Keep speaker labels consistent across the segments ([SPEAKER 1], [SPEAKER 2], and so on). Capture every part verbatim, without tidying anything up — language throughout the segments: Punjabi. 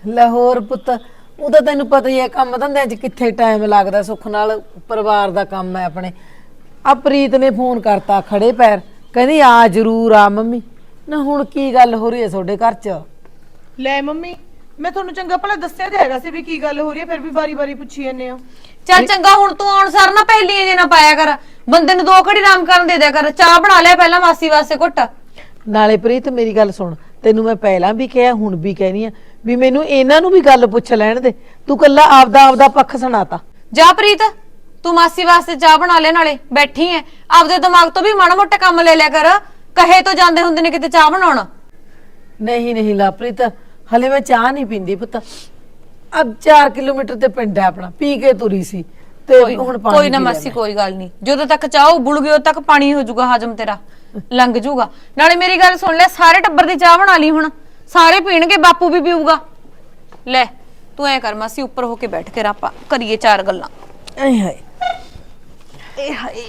[SPEAKER 1] ਲਾਹੌਰ ਪੁੱਤ ਉਹ ਤਾਂ ਤੈਨੂੰ ਪਤਾ ਹੀ ਹੈ ਕੰਮ ਧੰਦਿਆਂ 'ਚ ਕਿੱਥੇ ਟਾਈਮ ਲੱਗਦਾ ਸੁੱਖ ਨਾਲ ਪਰਿਵਾਰ ਦਾ ਕੰਮ ਹੈ ਆਪਣੇ। ਆ ਪ੍ਰੀਤ ਨੇ ਫੋਨ ਕਰਤਾ ਖੜੇ ਪੈਰ ਕਹਿੰਦੀ ਆ ਜ਼ਰੂਰ ਆ ਮੰਮੀ। ਨਾ ਹੁਣ ਕੀ ਗੱਲ ਹੋ ਰਹੀ ਹੈ ਤੁਹਾਡੇ ਘਰ 'ਚ?
[SPEAKER 2] ਲੈ ਮੰਮੀ ਮੈਂ ਤੁਹਾਨੂੰ ਚੰਗਾ ਭਲਾ ਦੱਸਿਆ ਤੇ ਹੈਗਾ ਸੀ ਵੀ ਕੀ ਗੱਲ ਹੋ ਰਹੀ ਹੈ, ਫਿਰ ਵੀ ਵਾਰੀ-ਵਾਰੀ ਪੁੱਛੀ ਜਾਂਦੇ ਹੋ।
[SPEAKER 3] ਚੱਲ ਚੰਗਾ ਹੁਣ ਤੂੰ ਆਉਣ ਸਾਰ ਨਾ ਪਹਿਲੀਆਂ ਜੇ ਨਾ ਪਾਇਆ ਕਰ, ਬੰਦੇ ਨੂੰ ਦੋ ਘੜੀ ਆਰਾਮ ਕਰਨ ਦੇ ਦਿਆ ਕਰ। ਚਾਹ ਬਣਾ ਲਿਆ ਪਹਿਲਾਂ ਮਾਸੀ ਵਾਸਤੇ ਘੁੱਟ।
[SPEAKER 1] ਨਾਲੇ ਪ੍ਰੀਤ ਮੇਰੀ ਗੱਲ ਸੁਣ, ਤੈਨੂੰ ਮੈਂ ਪਹਿਲਾਂ ਵੀ ਕਿਹਾ ਹੁਣ ਵੀ ਕਹਿਨੀ ਆ ਵੀ ਮੈਨੂੰ ਇਹਨਾਂ ਨੂੰ ਵੀ ਗੱਲ ਪੁੱਛ ਲੈਣ ਦੇ। ਤੂੰ ਕੱਲਾ ਆਪਦਾ ਆਪਦਾ ਪੱਖ ਸੁਣਾਤਾ।
[SPEAKER 3] ਜਾ ਪ੍ਰੀਤ ਤੂੰ ਮਾਸੀ ਵਾਸਤੇ ਚਾਹ ਬਣਾ ਲੈ, ਨਾਲੇ ਬੈਠੀ ਐ ਆਪਦੇ ਦਿਮਾਗ ਤੋਂ ਵੀ ਮਾੜਾ ਮੋਟਾ ਕੰਮ ਲੈ ਲਿਆ ਕਰ। ਕਹੇ ਤੋਂ ਜਾਂਦੇ ਹੁੰਦੇ ਨੇ ਕਿਤੇ ਚਾਹ ਬਣਾਉਣ।
[SPEAKER 1] ਨਹੀਂ ਨਹੀਂ ਲਾਪ੍ਰੀਤ ਹਲੇ ਮੈਂ ਚਾਹ ਨਹੀਂ ਪੀਂਦੀ ਪੁੱਤ। ਅਬ ਚਾਰ ਕਿਲੋਮੀਟਰ ਤੇ ਪਿੰਡ ਹੈ ਆਪਣਾ, ਪੀ ਕੇ ਤੁਰੀ ਸੀ ਤੇ ਹੁਣ ਪਾਣੀ
[SPEAKER 3] ਕੋਈ ਨਾ ਮਾਸੀ ਕੋਈ ਗੱਲ ਨਹੀਂ, ਜਦੋਂ ਤੱਕ ਚਾਹ ਉਬਲ ਗਈ ਉਦੋਂ ਤੱਕ ਪਾਣੀ ਹੋ ਜਾਊਗਾ ਹਜਮ, ਤੇਰਾ ਲੰਘ ਜਾਊਗਾ। ਨਾਲੇ ਮੇਰੀ ਗੱਲ ਸੁਣ ਲੈ, ਸਾਰੇ ਟੱਬਰ ਦੀ ਚਾਹ ਬਣਾ ਲਈ ਹੁਣ, ਸਾਰੇ ਪੀਣਗੇ, ਬਾਪੂ ਵੀ ਪੀਊਗਾ। ਲੈ ਤੂੰ ਐ ਕਰ ਮਾਸੀ ਉੱਪਰ ਹੋ ਕੇ ਬੈਠ ਕੇ ਆਪਾਂ ਕਰੀਏ ਚਾਰ ਗੱਲਾਂ।
[SPEAKER 1] ਆਏ ਹਾਏ
[SPEAKER 3] ਏ ਹਾਏ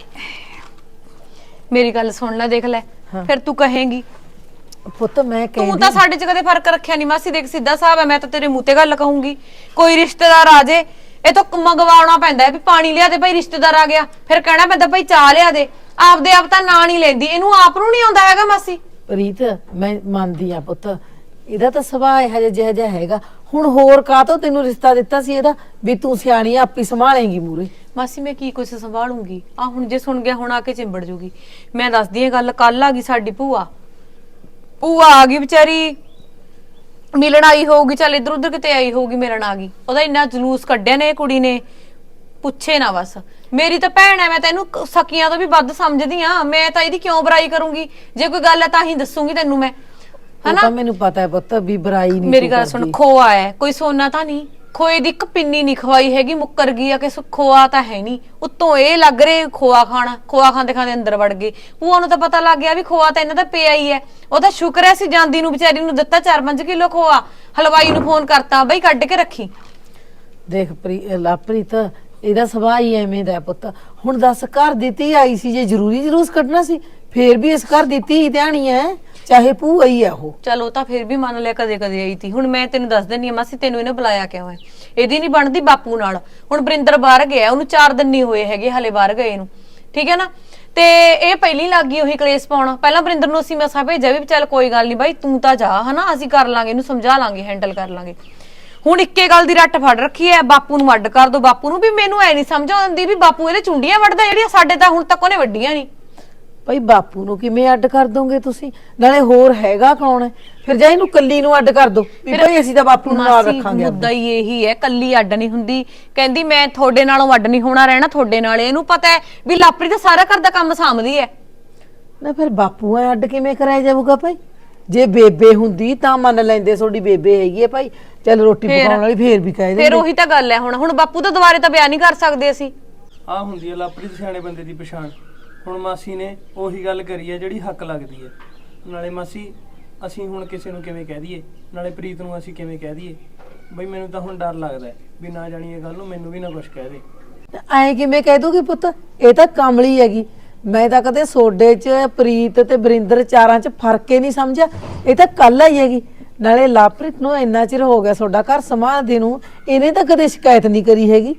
[SPEAKER 3] ਮੇਰੀ ਗੱਲ ਸੁਣ ਲੈ, ਦੇਖ ਲੈ ਫਿਰ ਤੂੰ ਕਹੇਂਗੀ
[SPEAKER 1] ਪੁੱਤ ਮੈਂ ਕਹਿੰਦੀ
[SPEAKER 3] ਤੂੰ ਤਾਂ ਸਾਡੇ 'ਚ ਕਦੇ ਫਰਕ ਰੱਖਿਆ ਨਹੀਂ ਮਾਸੀ। ਦੇਖ ਸਿੱਧਾ ਸਾਹਿਬ ਹੈ, ਮੈਂ ਤਾਂ ਤੇਰੇ ਮੂੰਹ ਤੇ ਗੱਲ ਕਹੂੰਗੀ। ਕੋਈ ਰਿਸ਼ਤੇਦਾਰ ਆ ਜੇ ਇਹ ਤਾਂ ਮੰਗਵਾਉਣਾ ਪੈਂਦਾ ਵੀ ਪਾਣੀ ਲਿਆ ਦੇ ਭਾਈ, ਰਿਸ਼ਤੇਦਾਰ ਆ ਗਿਆ ਫਿਰ ਕਹਿਣਾ ਪੈਂਦਾ ਭਾਈ ਚਾਹ ਲਿਆ ਦੇ। ਆਪਦੇ ਆਪ ਤਾਂ ਨਾਂ ਨਹੀਂ ਲੈਂਦੀ, ਇਹਨੂੰ ਆਪ ਨੂੰ ਨਹੀਂ ਆਉਂਦਾ ਹੈਗਾ ਮਾਸੀ।
[SPEAKER 1] ਪ੍ਰੀਤ ਮੈਂ ਮੰਨਦੀ ਆ ਪੁੱਤ, ਇਹਦਾ ਤਾਂ ਸੁਭਾਅ ਇਹੋ ਜਿਹਾ ਜਿਹਾ ਜਿਹਾ ਹੈਗਾ। ਹੁਣ ਹੋਰ ਕਾਹਤੋਂ ਤੈਨੂੰ ਰਿਸ਼ਤਾ ਦਿੱਤਾ ਸੀ ਇਹਦਾ ਵੀ ਤੂੰ ਸਿਆਣੀ ਆਪੀ ਸੰਭਾਲੇਂਗੀ ਮੂਰੇ।
[SPEAKER 3] ਮਾਸੀ ਮੈਂ ਕੀ ਕੁਛ ਸੰਭਾਲੂੰਗੀ? ਆ ਹੁਣ ਜੇ ਸੁਣ ਗਿਆ ਹੁਣ ਆ ਕੇ ਚਿੰਬੜ ਜੂਗੀ। ਮੈਂ ਦੱਸਦੀ ਆ ਗੱਲ, ਕੱਲ ਆ ਗਈ ਸਾਡੀ ਭੂਆ। ਭੂਆ ਆ ਗਈ ਵਿਚਾਰੀ, ਮਿਲਣ ਆਈ ਹੋਊਗੀ, ਚੱਲ ਇੱਧਰ ਉੱਧਰ ਕਿਤੇ ਆਈ ਹੋਊਗੀ, ਮਿਲਣ ਆ ਗਈ। ਉਹਦਾ ਇੰਨਾ ਜਲੂਸ ਕੱਢਿਆ ਨੇ ਇਹ ਕੁੜੀ ਨੇ, ਪੁੱਛੇ ਨਾ ਬਸ। ਮੇਰੀ ਤਾਂ ਭੈਣ ਐ, ਮੈਂ ਤੈਨੂੰ ਸਕੀਆਂ ਤੋਂ ਵੀ ਵੱਧ ਸਮਝਦੀ ਆ। ਮੈਂ ਤਾਂ ਇਹਦੀ ਕਿਉਂ ਬੁਰਾਈ ਕਰੂੰਗੀ? ਜੇ ਕੋਈ ਗੱਲ ਹੈ ਤਾਂ ਹੀ ਦੱਸੂਗੀ ਤੈਨੂੰ ਮੈਂ,
[SPEAKER 1] ਹਨਾ? ਮੈਨੂੰ ਪਤਾ ਹੈ ਪੁੱਤ ਵੀ ਬੁਰਾਈ ਨਹੀਂ।
[SPEAKER 3] ਮੇਰੀ ਗੱਲ ਸੁਣ, ਖੋਆ ਹੈ ਕੋਈ ਸੋਨਾ ਤਾਂ ਨਹੀਂ। ਖੋਏ ਦੀ ਇੱਕ ਪਿੰਨੀ ਨਹੀਂ ਖਵਾਈ ਹੈਗੀ, ਮੁੱਕਰ ਗਈ ਆ ਕਿ ਖੋਆ ਤਾਂ ਹੈ ਨਹੀਂ। ਉੱਤੋਂ ਇਹ ਲੱਗ ਰਹੇ ਖੋਆ ਖਾਣਾ, ਖੋਆ ਖਾਂਦੇ ਖਾਂਦੇ ਅੰਦਰ ਵੜ ਗਏ। ਭੂਆ ਨੂੰ ਤਾਂ ਪਤਾ ਲੱਗ ਗਿਆ ਵੀ ਖੋਆ ਤਾਂ ਇਹਨਾਂ ਦਾ ਪਿਆ ਹੀ ਹੈ। ਉਹ ਤਾਂ ਸ਼ੁਕਰ ਹੈ ਸੀ ਜਾਂਦੀ ਨੂੰ ਵਿਚਾਰੀ ਨੂੰ ਦਿੱਤਾ ਚਾਰ ਪੰਜ ਕਿਲੋ ਖੋਆ। ਹਲਵਾਈ ਨੂੰ ਫੋਨ ਕਰਤਾ ਬਈ ਕੱਢ ਕੇ ਰੱਖੀ।
[SPEAKER 1] ਦੇਖ ਲਾਪ੍ਰੀਤ ਇਹਦਾ ਸੁਭਾਅ ਹੀ ਐਵੇਂ ਦਾ ਪੁੱਤ। ਹੁਣ ਦੱਸ ਘਰ ਦੀ ਧੀ ਆਈ ਸੀ, ਜੇ ਜ਼ਰੂਰੀ ਜਲੂਸ ਕੱਢਣਾ ਸੀ ਫੇਰ ਵੀ ਇਸ ਘਰ ਦੀ ਧੀ ਧਿਆਣੀ ਹੈ, ਚਾਹੇ ਭੂਆ ਹੀ ਆ ਉਹ।
[SPEAKER 3] ਚਲੋ ਤਾਂ ਫਿਰ ਵੀ ਮੰਨ ਲਿਆ ਕਦੇ ਕਦੇ ਆਈ ਤੀ। ਹੁਣ ਮੈਂ ਤੈਨੂੰ ਦੱਸ ਦਿੰਨੀ ਆ ਮਾਸੀ, ਤੈਨੂੰ ਇਹਨੇ ਬੁਲਾਇਆ ਕਿਉਂ ਹੈ? ਇਹਦੀ ਨਹੀਂ ਬਣਦੀ ਬਾਪੂ ਨਾਲ। ਹੁਣ ਬਰਿੰਦਰ ਬਾਹਰ ਗਿਆ, ਉਹਨੂੰ ਚਾਰ ਦਿਨ ਨਹੀਂ ਹੋਏ ਹੈਗੇ ਹਲੇ ਬਾਹਰ ਗਏ ਨੂੰ, ਠੀਕ ਹੈ ਨਾ? ਤੇ ਇਹ ਪਹਿਲੀ ਲੱਗ ਗਈ ਉਹੀ ਕਲੇਸ਼ ਪਾਉਣਾ। ਪਹਿਲਾਂ ਬਰਿੰਦਰ ਨੂੰ ਅਸੀਂ ਮਸਾ ਭੇਜਿਆ ਵੀ ਚੱਲ ਕੋਈ ਗੱਲ ਨਹੀਂ ਬਾਈ ਤੂੰ ਤਾਂ ਜਾ, ਹਨਾ ਅਸੀਂ ਕਰ ਲਾਂਗੇ, ਇਹਨੂੰ ਸਮਝਾ ਲਾਂਗੇ, ਹੈਂਡਲ ਕਰ ਲਾਂਗੇ। ਹੁਣ ਇੱਕੇ ਗੱਲ ਦੀ ਰੱਟ ਫੜ ਰੱਖੀ ਐ, ਬਾਪੂ ਨੂੰ ਅੱਡ ਕਰ ਦੋ, ਬਾਪੂ ਨੂੰ। ਵੀ ਮੈਨੂੰ ਐ ਨਹੀਂ ਸਮਝ ਆਉਂਦੀ ਵੀ ਬਾਪੂ ਇਹਦੇ ਚੁੰਡੀਆਂ ਵੱਢਦਾ ਜਿਹੜੀਆਂ ਸਾਡੇ ਤਾਂ ਹੁਣ ਤੱਕ ਉਹਨੇ ਵੱਡੀਆਂ ਨਹੀਂ।
[SPEAKER 1] ਭਾਈ ਬਾਪੂ ਨੂੰ ਕਿਵੇਂ ਅੱਡ ਕਰ ਦੋਗੇ ਤੁਸੀਂ? ਨਾਲੇ ਹੋਰ ਹੈਗਾ ਕੌਣ ਹੈ? ਫਿਰ ਜਾ ਇਹਨੂੰ ਕੱਲੀ ਨੂੰ ਅੱਡ ਕਰ ਦੋ ਵੀ ਭਾਈ ਅਸੀਂ ਤਾਂ ਬਾਪੂ ਨੂੰ ਨਾਲ ਰੱਖਾਂਗੇ।
[SPEAKER 3] ਮੁੱਦਾ ਹੀ ਇਹੀ ਹੈ, ਕੱਲੀ ਅੱਡ ਨਹੀਂ ਹੁੰਦੀ। ਕਹਿੰਦੀ ਮੈਂ ਤੁਹਾਡੇ ਨਾਲੋਂ ਅੱਡ ਨਹੀਂ ਹੋਣਾ, ਰਹਿਣਾ ਤੁਹਾਡੇ ਨਾਲ। ਇਹਨੂੰ ਪਤਾ ਹੈ ਵੀ ਲਾਪਰੀ ਤਾਂ ਸਾਰਾ ਘਰ ਦਾ ਕੰਮ ਸਾਂਭਦੀ ਹੈ
[SPEAKER 1] ਨਾ। ਫਿਰ ਬਾਪੂ ਐ ਅੱਡ ਕਿਵੇਂ ਕਰਾਇਆ ਜਾਊਗਾ ਭਾਈ? ਜੇ ਬੇਬੇ ਹੁੰਦੀ ਤਾਂ ਮੰਨ ਲੈਂਦੇ, ਤੁਹਾਡੀ ਬੇਬੇ ਹੈਗੀ ਹੈ ਭਾਈ, ਚੱਲ ਰੋਟੀ ਪਕਾਉਣ ਵਾਲੀ, ਫੇਰ ਵੀ ਕਹਿ ਦਿੰਦੇ।
[SPEAKER 3] ਫਿਰ ਉਹੀ ਤਾਂ ਗੱਲ ਹੈ। ਹੁਣ ਹੁਣ ਬਾਪੂ ਤਾਂ ਦੁਬਾਰੇ ਤਾਂ ਬਿਆਨ ਨਹੀਂ ਕਰ ਸਕਦੇ ਅਸੀਂ।
[SPEAKER 4] ਆ ਹੁੰਦੀ ਹੈ ਲਾਪਰੀ ਸਿਆਣੇ ਬੰਦੇ ਦੀ ਪਛਾਣ। ਹੁਣ ਮਾਸੀ ਨੇ ਉਹੀ ਗੱਲ ਕਰੀ ਹੈ ਜਿਹੜੀ ਹੱਕ ਲੱਗਦੀ ਹੈ। ਨਾਲੇ ਮਾਸੀ ਅਸੀਂ ਹੁਣ ਕਿਸੇ ਨੂੰ ਕਿਵੇਂ ਕਹਿ ਦਈਏ, ਨਾਲੇ ਪ੍ਰੀਤ ਨੂੰ ਅਸੀਂ ਕਿਵੇਂ ਕਹਿ ਦਈਏ? ਬਈ ਮੈਨੂੰ ਤਾਂ ਹੁਣ ਡਰ ਲੱਗਦਾ ਵੀ ਨਾ ਜਾਣੀ ਇਹ ਗੱਲ ਨੂੰ ਮੈਨੂੰ ਵੀ ਨਾ ਕੁਝ ਕਹਿ ਦੇ।
[SPEAKER 1] ਐ ਕਿਵੇਂ ਕਹਿ ਦੂਗੀ ਪੁੱਤ? ਇਹ ਤਾਂ ਕਮਲੀ ਹੈਗੀ। ਮੈਂ ਤਾਂ ਕਦੇ ਸੋਡੇ 'ਚ ਪ੍ਰੀਤ ਤੇ ਬਰਿੰਦਰ ਚਾਰਾਂ 'ਚ ਫਰਕ ਹੀ ਨਹੀਂ ਸਮਝਿਆ। ਇਹ ਤਾਂ ਕੱਲ ਆਈ ਹੈਗੀ। ਨਾਲੇ ਲਾਪ੍ਰੀਤ ਨੂੰ ਇੰਨਾ ਚਿਰ ਹੋ ਗਿਆ ਤੁਹਾਡਾ ਘਰ ਸੰਭਾਲਦੇ ਨੂੰ, ਇਹਨੇ ਤਾਂ ਕਦੇ ਸ਼ਿਕਾਇਤ ਨਹੀਂ ਕਰੀ ਹੈਗੀ।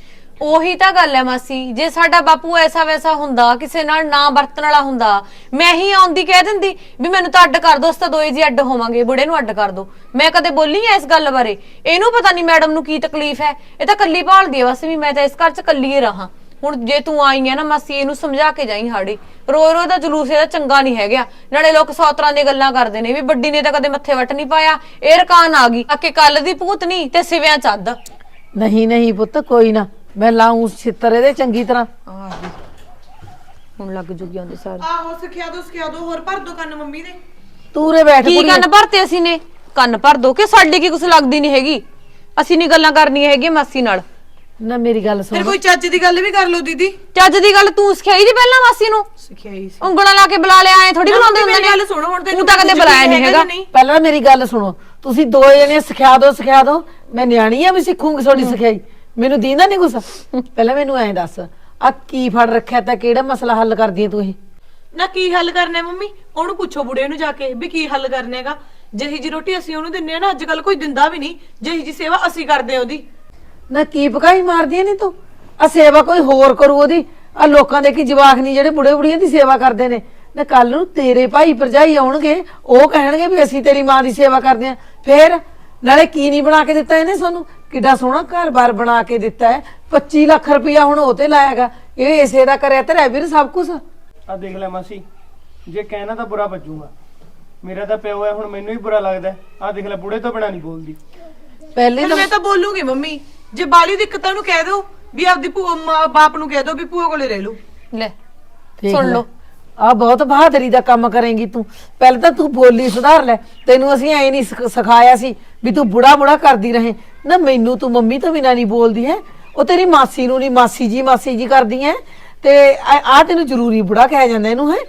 [SPEAKER 3] ਉਹੀ ਤਾਂ ਗੱਲ ਹੈ ਮਾਸੀ, ਜੇ ਸਾਡਾ ਬਾਪੂ ਐਸਾ ਵੈਸਾ ਹੁੰਦਾ, ਕਿਸੇ ਨਾਲ ਨਾ ਵਰਤਣ ਵਾਲਾ ਹੁੰਦਾ, ਮੈਂ ਹੀ ਆਉਂਦੀ ਕਹਿ ਦਿੰਦੀ ਵੀ ਮੈਨੂੰ ਤਾਂ ਅੱਡ ਕਰ ਦੋ, ਅਸੀਂ ਤਾਂ ਦੋਏ ਜੀ ਅੱਡ ਹੋਵਾਂਗੇ, ਬੁੜੇ ਨੂੰ ਅੱਡ ਕਰ ਦੋ। ਮੈਂ ਕਦੇ ਬੋਲੀ ਐ ਇਸ ਗੱਲ ਬਾਰੇ? ਇਹਨੂੰ ਪਤਾ ਨਹੀਂ ਮੈਡਮ ਨੂੰ ਕੀ ਤਕਲੀਫ ਹੈ। ਇਹ ਤਾਂ ਕੱਲੀ ਭਾਲਦੀ ਹੈ ਬਸ ਵੀ ਮੈਂ ਤਾਂ ਇਸ ਘਰ 'ਚ ਕੱਲੀ ਹੀ ਰਹਾ। ਹੁਣ ਜੇ ਤੂੰ ਆਈ ਹੈ ਨਾ ਮਾਸੀ, ਇਹਨੂੰ ਸਮਝਾ ਕੇ ਜਾਈ ਹਾੜੀ। ਰੋ ਰੋ ਦਾ ਜਲੂਸ ਇਹਦਾ ਚੰਗਾ ਨਹੀਂ ਹੈਗਾ। ਨਾਲੇ ਲੋਕ ਸੌ ਤਰ੍ਹਾਂ ਦੀਆਂ ਗੱਲਾਂ ਕਰਦੇ ਨੇ ਵੀ ਵੱਡੀ ਨੇ ਤਾਂ ਕਦੇ ਮੱਥੇ ਵੱਟ ਨਹੀਂ ਪਾਇਆ, ਇਹ ਰਕਾਨ ਆ ਗਈ ਆਕੇ ਕੱਲ ਦੀ ਭੂਤ ਨਹੀਂ ਤੇ ਸਿਵਿਆਂ ਚੱਦ।
[SPEAKER 1] ਨਹੀਂ ਨਹੀਂ ਪੁੱਤ ਕੋਈ ਨਾ, ਮੈਂ ਲਾਉਂ ਛਿੱਤਰ ਇਹਦੇ ਚੰਗੀ ਤਰ੍ਹਾਂ।
[SPEAKER 3] ਆ ਗਈ ਹੁਣ ਲੱਗ ਜੂਗੀ ਆਂਦੇ ਸਾਰੇ।
[SPEAKER 2] ਆਹੋ ਸਿਖਿਆ ਦੋ ਸਿਖਿਆ ਦੋ, ਹੋਰ ਭਰ ਦੋ ਕੰਨ ਮੰਮੀ ਦੇ।
[SPEAKER 1] ਤੂਰੇ ਬੈਠ
[SPEAKER 3] ਕੀ ਕੰਨ ਭਰਤੇ ਅਸੀਂ ਨੇ? ਕੰਨ ਭਰ ਦੋ ਕਿ ਸਾਡੀ ਕੀ ਕੁਛ ਲੱਗਦੀ ਨਹੀਂ ਹੈਗੀ? ਅਸੀਂ ਨਹੀਂ ਗੱਲਾਂ ਕਰਨੀਆਂ ਹੈਗੀਆਂ ਮਾਸੀ ਨਾਲ।
[SPEAKER 1] ਨਾ ਮੇਰੀ ਗੱਲ ਸੁਣ,
[SPEAKER 2] ਫਿਰ ਕੋਈ ਚੱਜ ਦੀ ਗੱਲ ਵੀ ਕਰ ਲਓ ਦੀਦੀ।
[SPEAKER 3] ਚੱਜ ਦੀ ਗੱਲ ਤੂੰ ਸਿਖਾਈ ਦੀ ਪਹਿਲਾਂ ਮਾਸੀ ਨੂੰ?
[SPEAKER 2] ਸਿਖਾਈ ਸੀ।
[SPEAKER 3] ਉਂਗਲਾਂ ਲਾ ਕੇ ਬੁਲਾ ਲਿਆ, ਐ ਥੋੜੀ ਬੁਲਾਉਂਦੇ ਹੁੰਦੇ ਨੇ।
[SPEAKER 2] ਗੱਲ ਸੁਣੋ ਹੁਣ,
[SPEAKER 3] ਤੂੰ ਤਾਂ ਕਦੇ ਬੁਲਾਇਆ ਨਹੀਂ ਹੈਗਾ।
[SPEAKER 1] ਪਹਿਲਾਂ ਮੇਰੀ ਗੱਲ ਸੁਣੋ, ਤੁਸੀਂ ਦੋ ਜਣੇ ਸਿਖਾ ਦੋ ਸਿਖਾ ਦੋ। ਮੈਂ ਨਿਆਣੀ ਆ ਵੀ ਸਿੱਖੂਗੀ ਤੁਹਾਡੀ ਸਿਖਾਈ, ਮੈਨੂੰ ਦੀਂਦਾ ਨਹੀਂ ਗੁੱਸਾ। ਪਹਿਲਾਂ ਮੈਨੂੰ ਐਂ ਦੱਸ, ਆ ਕੀ ਫੜ ਰੱਖਿਆ ਤਾਂ ਕਿਹੜਾ ਮਸਲਾ ਹੱਲ ਕਰਦੀ ਐ ਤੂੰ? ਇਹ
[SPEAKER 2] ਨਾ ਕੀ ਹੱਲ ਕਰਨਾ ਮੰਮੀ? ਉਹਨੂੰ ਪੁੱਛੋ ਬੁੜੇ ਨੂੰ ਜਾ ਕੇ ਵੀ ਕੀ ਹੱਲ ਕਰਨਾ ਹੈਗਾ। ਜਿਹੀ ਜੀ ਰੋਟੀ ਅਸੀਂ ਉਹਨੂੰ ਦਿੰਨੇ ਆ ਨਾ ਅੱਜ ਕੱਲ ਕੋਈ ਦਿੰਦਾ ਵੀ ਨਹੀਂ, ਜਿਹੀ ਜੀ ਸੇਵਾ ਅਸੀਂ ਕਰਦੇ ਆ ਉਹਦੀ।
[SPEAKER 1] ਨਾ ਕੀ ਪਕਾਈ ਮਾਰਦੀ ਨਹੀਂ ਤੂੰ? ਆ ਸੇਵਾ ਕੋਈ ਹੋਰ ਕਰੂ ਉਹਦੀ। ਆ ਲੋਕਾਂ ਦੇ ਕੀ ਜਵਾਕ ਨਹੀਂ ਜਿਹੜੇ ਬੁੜੇ ਬੁੜੀਆਂ ਦੀ ਸੇਵਾ ਕਰਦੇ ਨੇ। ਨਾ ਕੱਲ ਨੂੰ ਤੇਰੇ ਭਾਈ ਭਰਜਾਈ ਆਉਣਗੇ, ਉਹ ਕਹਿਣਗੇ ਵੀ ਅਸੀਂ ਤੇਰੀ ਮਾਂ ਦੀ ਸੇਵਾ ਕਰਦੇ ਆ। ਫੇਰ ਨਾਲੇ ਕੀ ਨਹੀਂ ਬਣਾ ਕੇ ਦਿੱਤਾ ਇਹਨੇ ਸਾਨੂੰ? ਕਿੱਡਾ ਸੋਹਣਾ ਘਰ-ਬਾਰ ਬਣਾ ਕੇ ਦਿੱਤਾ ਹੈ। ਪੱਚੀ ਲੱਖ ਰੁਪਇਆ ਹੁਣ ਉਹ ਤੇ ਲਾਇਆਗਾ। ਇਹ ਇਸੇ ਦਾ ਕਰਿਆ ਤੇਰਾ ਵੀਰ ਸਭ ਕੁਝ।
[SPEAKER 4] ਆ ਦੇਖ ਲੈ ਮਾਸੀ, ਜੇ ਕਹਿਣਾ ਤਾਂ ਬੁਰਾ ਵੱਜੂਗਾ। ਮੇਰਾ ਤਾਂ ਪਿਓ ਹੈ, ਹੁਣ ਮੈਨੂੰ ਹੀ ਬੁਰਾ ਲੱਗਦਾ। ਆ ਦੇਖ ਲੈ, ਬੁੜੇ ਤੋਂ ਬਿਨਾਂ ਨਹੀਂ ਬੋਲਦੀ।
[SPEAKER 1] ਪਹਿਲੇ
[SPEAKER 2] ਫਿਰ
[SPEAKER 1] ਤਾਂ
[SPEAKER 2] ਮੈਂ ਤਾਂ ਬੋਲੂਗੀ ਮੰਮੀ, ਜੇ ਬਾਲੀ ਦਿੱਕਤਾਂ ਨੂੰ ਕਹਿ ਦੋ ਵੀ ਆਪਦੀ ਭੂਆ ਮਾਂ ਬਾਪ ਨੂੰ ਕਹਿ ਦੋ ਵੀ ਭੂਆ ਕੋਲੇ ਰਹਿ ਲਓ।
[SPEAKER 3] ਲੈ
[SPEAKER 1] ਦੇਖ
[SPEAKER 3] ਸੁਣ
[SPEAKER 1] ਲੈ।
[SPEAKER 3] ਲਓ।
[SPEAKER 1] ਆ ਬਹੁਤ ਬਹਾਦਰੀ ਦਾ ਕੰਮ ਕਰੇਂਗੀ ਤੂੰ। ਪਹਿਲਾਂ ਤਾਂ ਤੂੰ ਬੋਲੀ ਸੁਧਾਰ ਲੈ। ਤੈਨੂੰ ਅਸੀਂ ਐ ਨਹੀਂ ਸਿਖ- ਸਿਖਾਇਆ ਸੀ ਵੀ ਤੂੰ ਬੁੜਾ ਬੁੜਾ ਕਰਦੀ ਰਹੇ ਨਾ। ਮੈਨੂੰ ਤੂੰ ਮੰਮੀ ਤੋਂ ਬਿਨਾਂ ਨਹੀਂ ਬੋਲਦੀ ਹੈ। ਉਹ ਤੇਰੀ ਮਾਸੀ ਨੂੰ ਨਹੀਂ ਮਾਸੀ ਜੀ ਮਾਸੀ ਜੀ ਕਰਦੀ ਹੈ। ਤੇ ਆ ਤੈਨੂੰ ਜ਼ਰੂਰੀ ਬੁੜਾ ਕਿਹਾ ਜਾਂਦਾ ਇਹਨੂੰ ਹੈ।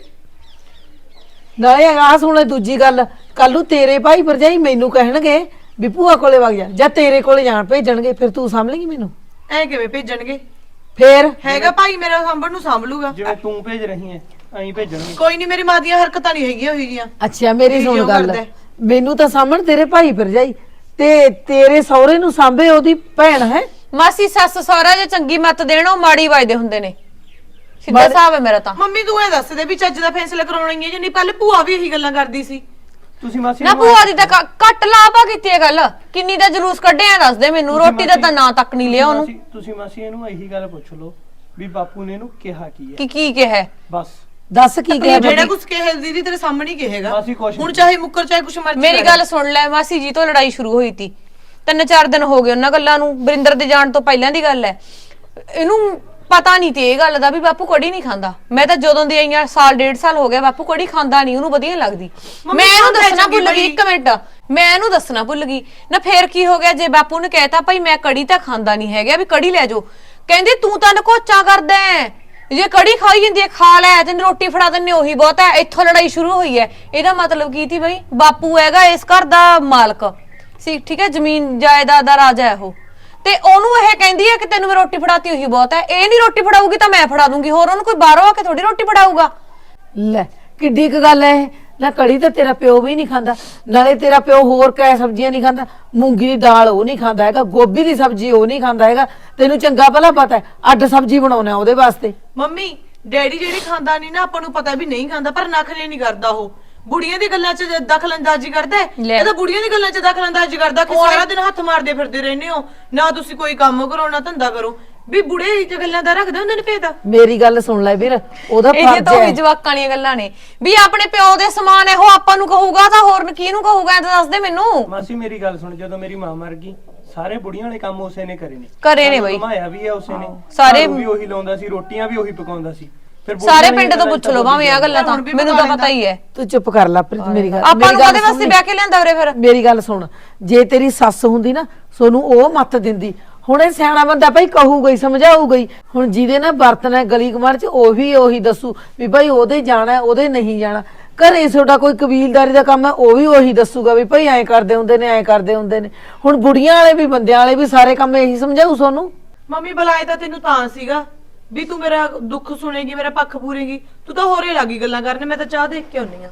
[SPEAKER 1] ਨਾਲੇ ਆ ਸੁਣ ਦੂਜੀ ਗੱਲ, ਕੱਲ ਨੂੰ ਤੇਰੇ ਭਾਈ ਭਰਜਾਈ ਮੈਨੂੰ ਕਹਿਣਗੇ ਵੀ ਭੂਆ ਕੋਲੇ ਵਗ ਜਾ, ਜਾਂ ਤੇਰੇ ਕੋਲੇ ਜਾਣ ਭੇਜਣਗੇ, ਫਿਰ ਤੂੰ ਸਾਂਭਲੇਂਗੀ ਮੈਨੂੰ?
[SPEAKER 2] ਐ ਕਿਵੇਂ ਭੇਜਣਗੇ?
[SPEAKER 1] ਫੇਰ
[SPEAKER 2] ਹੈਗਾ ਭਾਈ ਮੇਰਾ ਸਾਂਭਣ ਨੂੰ ਸਾਂਭ ਲੂਗਾ।
[SPEAKER 4] ਜਿਵੇਂ ਤੂੰ ਭੇਜ ਰਹੀ ਹੈ ਐਂ ਭੇਜਣਗੇ।
[SPEAKER 2] ਕੋਈ ਨਹੀਂ, ਮੇਰੀ ਮਾਂ ਦੀਆਂ ਹਰਕਤਾਂ ਨਹੀਂ ਹੈਗੀਆਂ ਹੋਈ ਜੀਆਂ।
[SPEAKER 1] ਅੱਛਾ ਮੇਰੀ
[SPEAKER 2] ਕੀ
[SPEAKER 1] ਸੁਣ
[SPEAKER 2] ਕਿਉਂ
[SPEAKER 1] ਗੱਲ,
[SPEAKER 2] ਕਰਦਾ ਹੈ?
[SPEAKER 1] ਮੈਨੂੰ ਤਾਂ ਸਾਹਮਣ ਤੇਰੇ ਭਾਈ ਭਰਜਾਈ ਤੇ ਤੇਰੇ ਸਹੁਰੇ ਨੂੰ ਸਾਂਭੇ ਉਹਦੀ ਭੈਣ ਹੈ।
[SPEAKER 3] ਮਾਸੀ ਸੱਸ ਸਹੁਰਾ ਜੇ ਚੰਗੀ ਮੱਤ ਦੇਣ ਉਹ ਮਾੜੀ ਵਜਦੇ ਹੁੰਦੇ ਨੇ। ਸਿੱਧਾ
[SPEAKER 1] ਮਾੜੀ-
[SPEAKER 3] ਹਿਸਾਬ ਹੈ ਮੇਰਾ ਤਾਂ।
[SPEAKER 2] ਮੰਮੀ ਤੂੰ ਇਹ ਦੱਸ ਦੇ ਵੀ ਚੱਜ ਦਾ ਫੈਸਲਾ ਕਰਾਉਣਾ ਹੀ ਹੈ ਜਾਂ ਨਹੀਂ? ਪਹਿਲੇ ਭੂਆ ਵੀ ਇਹੀ ਗੱਲਾਂ ਕਰਦੀ ਸੀ।
[SPEAKER 4] ਤੁਸੀਂ ਮਾਸੀ
[SPEAKER 3] ਨਾ
[SPEAKER 4] ਨੂੰ
[SPEAKER 3] ਭੂਆ ਦੀ ਤਾਂ ਘ- ਘੱਟ ਲਾਭਾ ਕੀਤੀ ਹੈ ਗੱਲ। ਕਿੰਨੀ ਦਾ ਜਲੂਸ ਕੱਢਿਆ ਦੱਸ ਦੇ ਮੈਨੂੰ।
[SPEAKER 4] ਤੁਸੀਂ
[SPEAKER 3] ਰੋਟੀ ਦਾ ਤਾਂ
[SPEAKER 4] ਮਾਸੀ-
[SPEAKER 3] ਨਾਂ ਤੱਕ ਨਹੀਂ ਲਿਆ ਉਹਨੂੰ।
[SPEAKER 4] ਤੁਸੀਂ- ਤੁਸੀਂ ਮਾਸੀ ਇਹਨੂੰ ਇਹੀ ਗੱਲ ਪੁੱਛ ਲਓ ਵੀ ਬਾਪੂ ਨੇ ਇਹਨੂੰ ਕਿਹਾ ਕੀ ਹੈ।
[SPEAKER 3] ਕਿ ਕੀ ਕਿਹਾ ਹੈ?
[SPEAKER 4] ਬਸ
[SPEAKER 1] ਦੱਸ ਕੀ ਕਿਹਾ
[SPEAKER 2] ਜਿਹੜਾ
[SPEAKER 1] ਬੇਟੀ?
[SPEAKER 2] ਕੁਝ ਕਹੇ ਦੀਦੀ ਤੇਰੇ ਸਾਹਮਣੇ ਹੀ ਕਹੇਗਾ।
[SPEAKER 4] ਮਾਸੀ ਕੁਛ
[SPEAKER 2] ਹੁਣ
[SPEAKER 4] ਨਹੀਂ।
[SPEAKER 2] ਚਾਹੇ ਮੁੱਕਰ ਚਾਹੇ ਕੁਛ ਮਰਜ਼ੀ
[SPEAKER 3] ਮੇਰੀ
[SPEAKER 2] ਕਰੇ।
[SPEAKER 3] ਗੱਲ ਸੁਣ ਲੈ, ਮਾਸੀ ਜੀ ਤੋਂ ਲੜਾਈ ਸ਼ੁਰੂ ਹੋਈ ਤੀ। ਤਿੰਨ ਚਾਰ ਦਿਨ ਹੋ ਗਏ ਉਹਨਾਂ ਗੱਲਾਂ ਨੂੰ। ਬਰਿੰਦਰ ਦੇ ਜਾਣ ਤੋਂ ਪਹਿਲਾਂ ਦੀ ਗੱਲ ਹੈ। ਇਹਨੂੰ ਪਤਾ ਨਹੀਂ ਤੇ ਇਹ ਗੱਲ ਦਾ ਵੀ ਬਾਪੂ ਕੜੀ ਨਹੀਂ ਖਾਂਦਾ। ਮੈਂ ਤਾਂ ਜਦੋਂ ਦੀ ਆਈਆਂ ਸਾਲ ਡੇਢ ਸਾਲ ਹੋ ਗਿਆ, ਬਾਪੂ ਕੜੀ ਖਾਂਦਾ ਨਹੀਂ, ਉਹਨੂੰ ਵਧੀਆ ਲੱਗਦੀ।
[SPEAKER 2] ਮੰਮੀ
[SPEAKER 3] ਮੈਂ ਇਹਨੂੰ
[SPEAKER 2] ਖਾਂਦਾ
[SPEAKER 3] ਦੱਸਣਾ
[SPEAKER 2] ਚੰਗੀ
[SPEAKER 3] ਭੁੱਲ ਗਈ।
[SPEAKER 2] ਬੜੀ।
[SPEAKER 3] ਇੱਕ ਮਿੰਟ, ਮੈਂ ਇਹਨੂੰ ਦੱਸਣਾ ਭੁੱਲ ਗਈ ਨਾ। ਫੇਰ ਕੀ ਹੋ ਗਿਆ ਜੇ ਬਾਪੂ ਨੇ ਕਹਿਤਾ ਭਾਈ ਮੈਂ ਕੜੀ ਤਾਂ ਖਾਂਦਾ ਨਹੀਂ ਹੈਗਾ, ਵੀ ਕੜੀ ਲੈ ਜਾਓ। ਕਹਿੰਦੇ ਤੂੰ ਤਾਂ ਨਕੋਚਾ ਕਰਦਾ ਹੈ, ਜੇ ਕੜੀ ਖਾਈ ਜਾਂਦੀ ਹੈ ਖਾ ਲੈ, ਤੈਨੂੰ ਰੋਟੀ ਫੜਾ ਦਿੰਨੇ ਉਹੀ ਬਹੁਤ ਹੈ। ਇੱਥੋਂ ਲੜਾਈ ਸ਼ੁਰੂ ਹੋਈ ਹੈ। ਇਹਦਾ ਮਤਲਬ ਕੀ ਸੀ ਬਈ? ਬਾਪੂ ਹੈਗਾ ਇਸ ਘਰ ਦਾ ਮਾਲਕ ਸੀ, ਠੀਕ ਹੈ, ਜ਼ਮੀਨ ਜਾਇਦਾਦ ਦਾ ਰਾਜਾ ਹੈ ਉਹ। ਤੇ ਉਹਨੂੰ ਇਹ ਕਹਿੰਦੀ ਹੈ ਕਿ ਤੈਨੂੰ ਮੈਂ ਰੋਟੀ ਫੜਾਤੀ ਉਹੀ ਬਹੁਤ ਹੈ। ਇਹ ਨਹੀਂ ਰੋਟੀ ਫੜਾਊਗੀ ਤਾਂ ਮੈਂ ਫੜਾ ਦੂੰਗੀ। ਹੋਰ ਉਹਨੂੰ ਕੋਈ ਬਾਹਰੋਂ ਆ ਕੇ ਥੋੜੀ ਰੋਟੀ ਫੜਾਊਗਾ।
[SPEAKER 1] ਲੈ ਕਿੱਡੀ ਕੁ ਗੱਲ ਹੈ ਇਹ। ਨਾ ਕੜੀ ਤਾਂ ਤੇਰਾ ਪਿਓ ਵੀ ਨਹੀਂ ਖਾਂਦਾ, ਨਾਲੇ ਤੇਰਾ ਪਿਓ ਹੋਰ ਕੈ ਸਬਜ਼ੀਆਂ ਨਹੀਂ ਖਾਂਦਾ। ਮੂੰਗੀ ਦੀ ਦਾਲ ਉਹ ਨਹੀਂ ਖਾਂਦਾ ਹੈਗਾ, ਗੋਭੀ ਦੀ ਸਬਜ਼ੀ ਉਹ ਨਹੀਂ ਖਾਂਦਾ ਹੈਗਾ। ਤੈਨੂੰ ਚੰਗਾ ਭਲਾ ਪਤਾ ਹੈ ਅੱਡ ਸਬਜ਼ੀ ਬਣਾਉਣਾ ਉਹਦੇ ਵਾਸਤੇ।
[SPEAKER 2] ਮੰਮੀ ਡੈਡੀ ਜਿਹੜੀ ਖਾਂਦਾ ਨਹੀਂ ਨਾ, ਆਪਾਂ ਨੂੰ ਪਤਾ ਵੀ ਨਹੀਂ ਖਾਂਦਾ, ਪਰ ਨਖਰੇ ਨਹੀਂ ਕਰਦਾ ਉਹ। ਬੁੜੀਆਂ ਦੀ ਗੱਲਾਂ 'ਚ ਦਖਲਅੰਦਾਜ਼ੀ ਕਰਦਾ ਹੈ।
[SPEAKER 3] ਲੈ।
[SPEAKER 2] ਇਹ ਤਾਂ ਬੁੜੀਆਂ ਦੀ ਗੱਲਾਂ 'ਚ ਦਖਲਅੰਦਾਜ਼ੀ ਕਰਦਾ ਕਿ ਸਾਰਾ ਦਿਨ ਹੱਥ ਮਾਰਦੇ ਫਿਰਦੇ ਰਹਿੰਦੇ ਹੋ, ਨਾ ਤੁਸੀਂ ਕੋਈ ਕੰਮ ਕਰੋ ਨਾ ਧੰਦਾ ਕਰੋ। ਵੀ ਬੁੜੇ ਇਹ ਜਿਹੀ ਗੱਲਾਂ ਦਾ ਰੱਖਦੇ ਹੁੰਦੇ ਨੇ ਭੇਦ।
[SPEAKER 1] ਮੇਰੀ ਗੱਲ ਸੁਣ ਲੈ ਵੀਰ, ਉਹਦਾ
[SPEAKER 3] ਇਹ
[SPEAKER 1] ਫਰਜ਼
[SPEAKER 3] ਤਾਂ
[SPEAKER 1] ਹੈ।
[SPEAKER 3] ਉਹੀ ਜਵਾਕਾਂ ਵਾਲੀਆਂ ਗੱਲਾਂ ਨੇ ਵੀ ਆਪਣੇ ਪਿਓ ਦੇ ਸਮਾਨ ਹੈ ਉਹ ਆਪਾਂ ਨੂੰ ਕਹੂਗਾ ਤਾਂ ਹੋਰ ਕਿਹਨੂੰ ਕਹੂਗਾ? ਇਹ ਤਾਂ ਦੱਸ ਦੇ ਮੈਨੂੰ।
[SPEAKER 4] ਮਾਸੀ ਮੇਰੀ ਗੱਲ ਸੁਣ, ਜਦੋਂ ਮੇਰੀ ਮਾਂ ਮਰ ਗਈ ਸਾਰੇ ਬੁੜੀਆਂ ਵਾਲੇ ਕੰਮ ਉਸੇ ਨੇ ਕਰੇ ਨੇ।
[SPEAKER 3] ਕਰੇ ਨੇ
[SPEAKER 4] ਸਾਨੂੰ
[SPEAKER 3] ਬਈ।
[SPEAKER 4] ਘੁਮਾਇਆ ਵੀ ਹੈ ਉਸੇ ਨੇ,
[SPEAKER 3] ਸਾਰੇ-
[SPEAKER 4] ਝਾੜੂ ਵੀ ਉਹੀ ਲਾਉਂਦਾ ਸੀ, ਰੋਟੀਆਂ ਵੀ ਉਹੀ ਪਕਾਉਂਦਾ ਸੀ। ਫਿਰ ਬੁੜੀਆਂ
[SPEAKER 3] ਸਾਰੇ
[SPEAKER 4] ਨੇ
[SPEAKER 3] ਪਿੰਡ ਤੋਂ
[SPEAKER 4] ਗੱਲਾਂ
[SPEAKER 3] ਪੁੱਛ ਲਓ ਭਾਵੇਂ ਆ ਗੱਲਾਂ ਤਾਂ
[SPEAKER 2] ਹੁਣ ਵੀ
[SPEAKER 3] ਮੈਨੂੰ ਤਾਂ
[SPEAKER 2] ਪਕਾ
[SPEAKER 3] ਪਤਾ ਹੀ ਹੈ।
[SPEAKER 1] ਤੂੰ ਚੁੱਪ ਕਰ ਲੈ ਪ੍ਰੀਤ, ਮੇਰੀ ਗੱਲ
[SPEAKER 3] ਆਪਾਂ
[SPEAKER 1] ਮੇਰੀ
[SPEAKER 3] ਨੂੰ
[SPEAKER 1] ਗੱਲ
[SPEAKER 3] ਉਹਦੇ ਵਾਸਤੇ
[SPEAKER 1] ਸੁਣ।
[SPEAKER 3] ਬਹਿ ਕੇ ਲਿਆਂਦਾ ਉਰੇ ਫਿਰ।
[SPEAKER 1] ਮੇਰੀ ਗੱਲ ਸੁਣ, ਜੇ ਤੇਰੀ ਸੱਸ ਹੁੰਦੀ ਨਾ ਸੋਨੂੰ ਉਹ ਮੱਤ ਦਿੰਦੀ। ਹੁਣ ਇਹ ਸਿਆਣਾ ਬੰਦਾ ਭਾਈ ਕਹੂਗਾ ਹੀ, ਸਮਝਾਊਗਾ ਹੀ। ਹੁਣ ਜਿਹਦੇ ਨਾਲ ਵਰਤਣਾ ਗਲੀ ਕਮਾਰ ਚ ਉਹੀ ਉਹੀ ਦੱਸੂ ਵੀ ਭਾਈ ਉਹਦੇ ਜਾਣਾ ਉਹਦੇ ਨਹੀਂ ਜਾਣਾ। ਘਰੇ ਤੁਹਾਡਾ ਕੋਈ ਕਬੀਲਦਾਰੀ ਦਾ ਕੰਮ ਹੈ ਉਹ ਵੀ ਉਹੀ ਦੱਸੂਗਾ ਵੀ ਭਾਈ ਐਂ ਕਰਦੇ ਹੁੰਦੇ ਨੇ ਐਂ ਕਰਦੇ ਹੁੰਦੇ ਨੇ। ਹੁਣ ਬੁੜੀਆਂ ਵਾਲੇ ਵੀ ਬੰਦਿਆਂ ਵਾਲੇ ਵੀ ਸਾਰੇ ਕੰਮ ਇਹੀ ਸਮਝਾਊ ਸੋਨੂੰ।
[SPEAKER 2] ਮੰਮੀ ਬੁਲਾਏ ਤਾਂ ਤੈਨੂੰ ਤਾਂ ਸੀਗਾ ਵੀ ਤੂੰ ਮੇਰਾ ਦੁੱਖ ਸੁਣੇਗੀ, ਮੇਰਾ ਪੱਖ ਪੂਰੇਗੀ। ਤੂੰ ਤਾਂ ਹੋਰੇ ਲੱਗੀ ਗੱਲਾਂ ਕਰਨ। ਮੈਂ ਤਾਂ ਚਾਹ ਦੇਖ ਕੇ ਆਉਣੀ ਆ।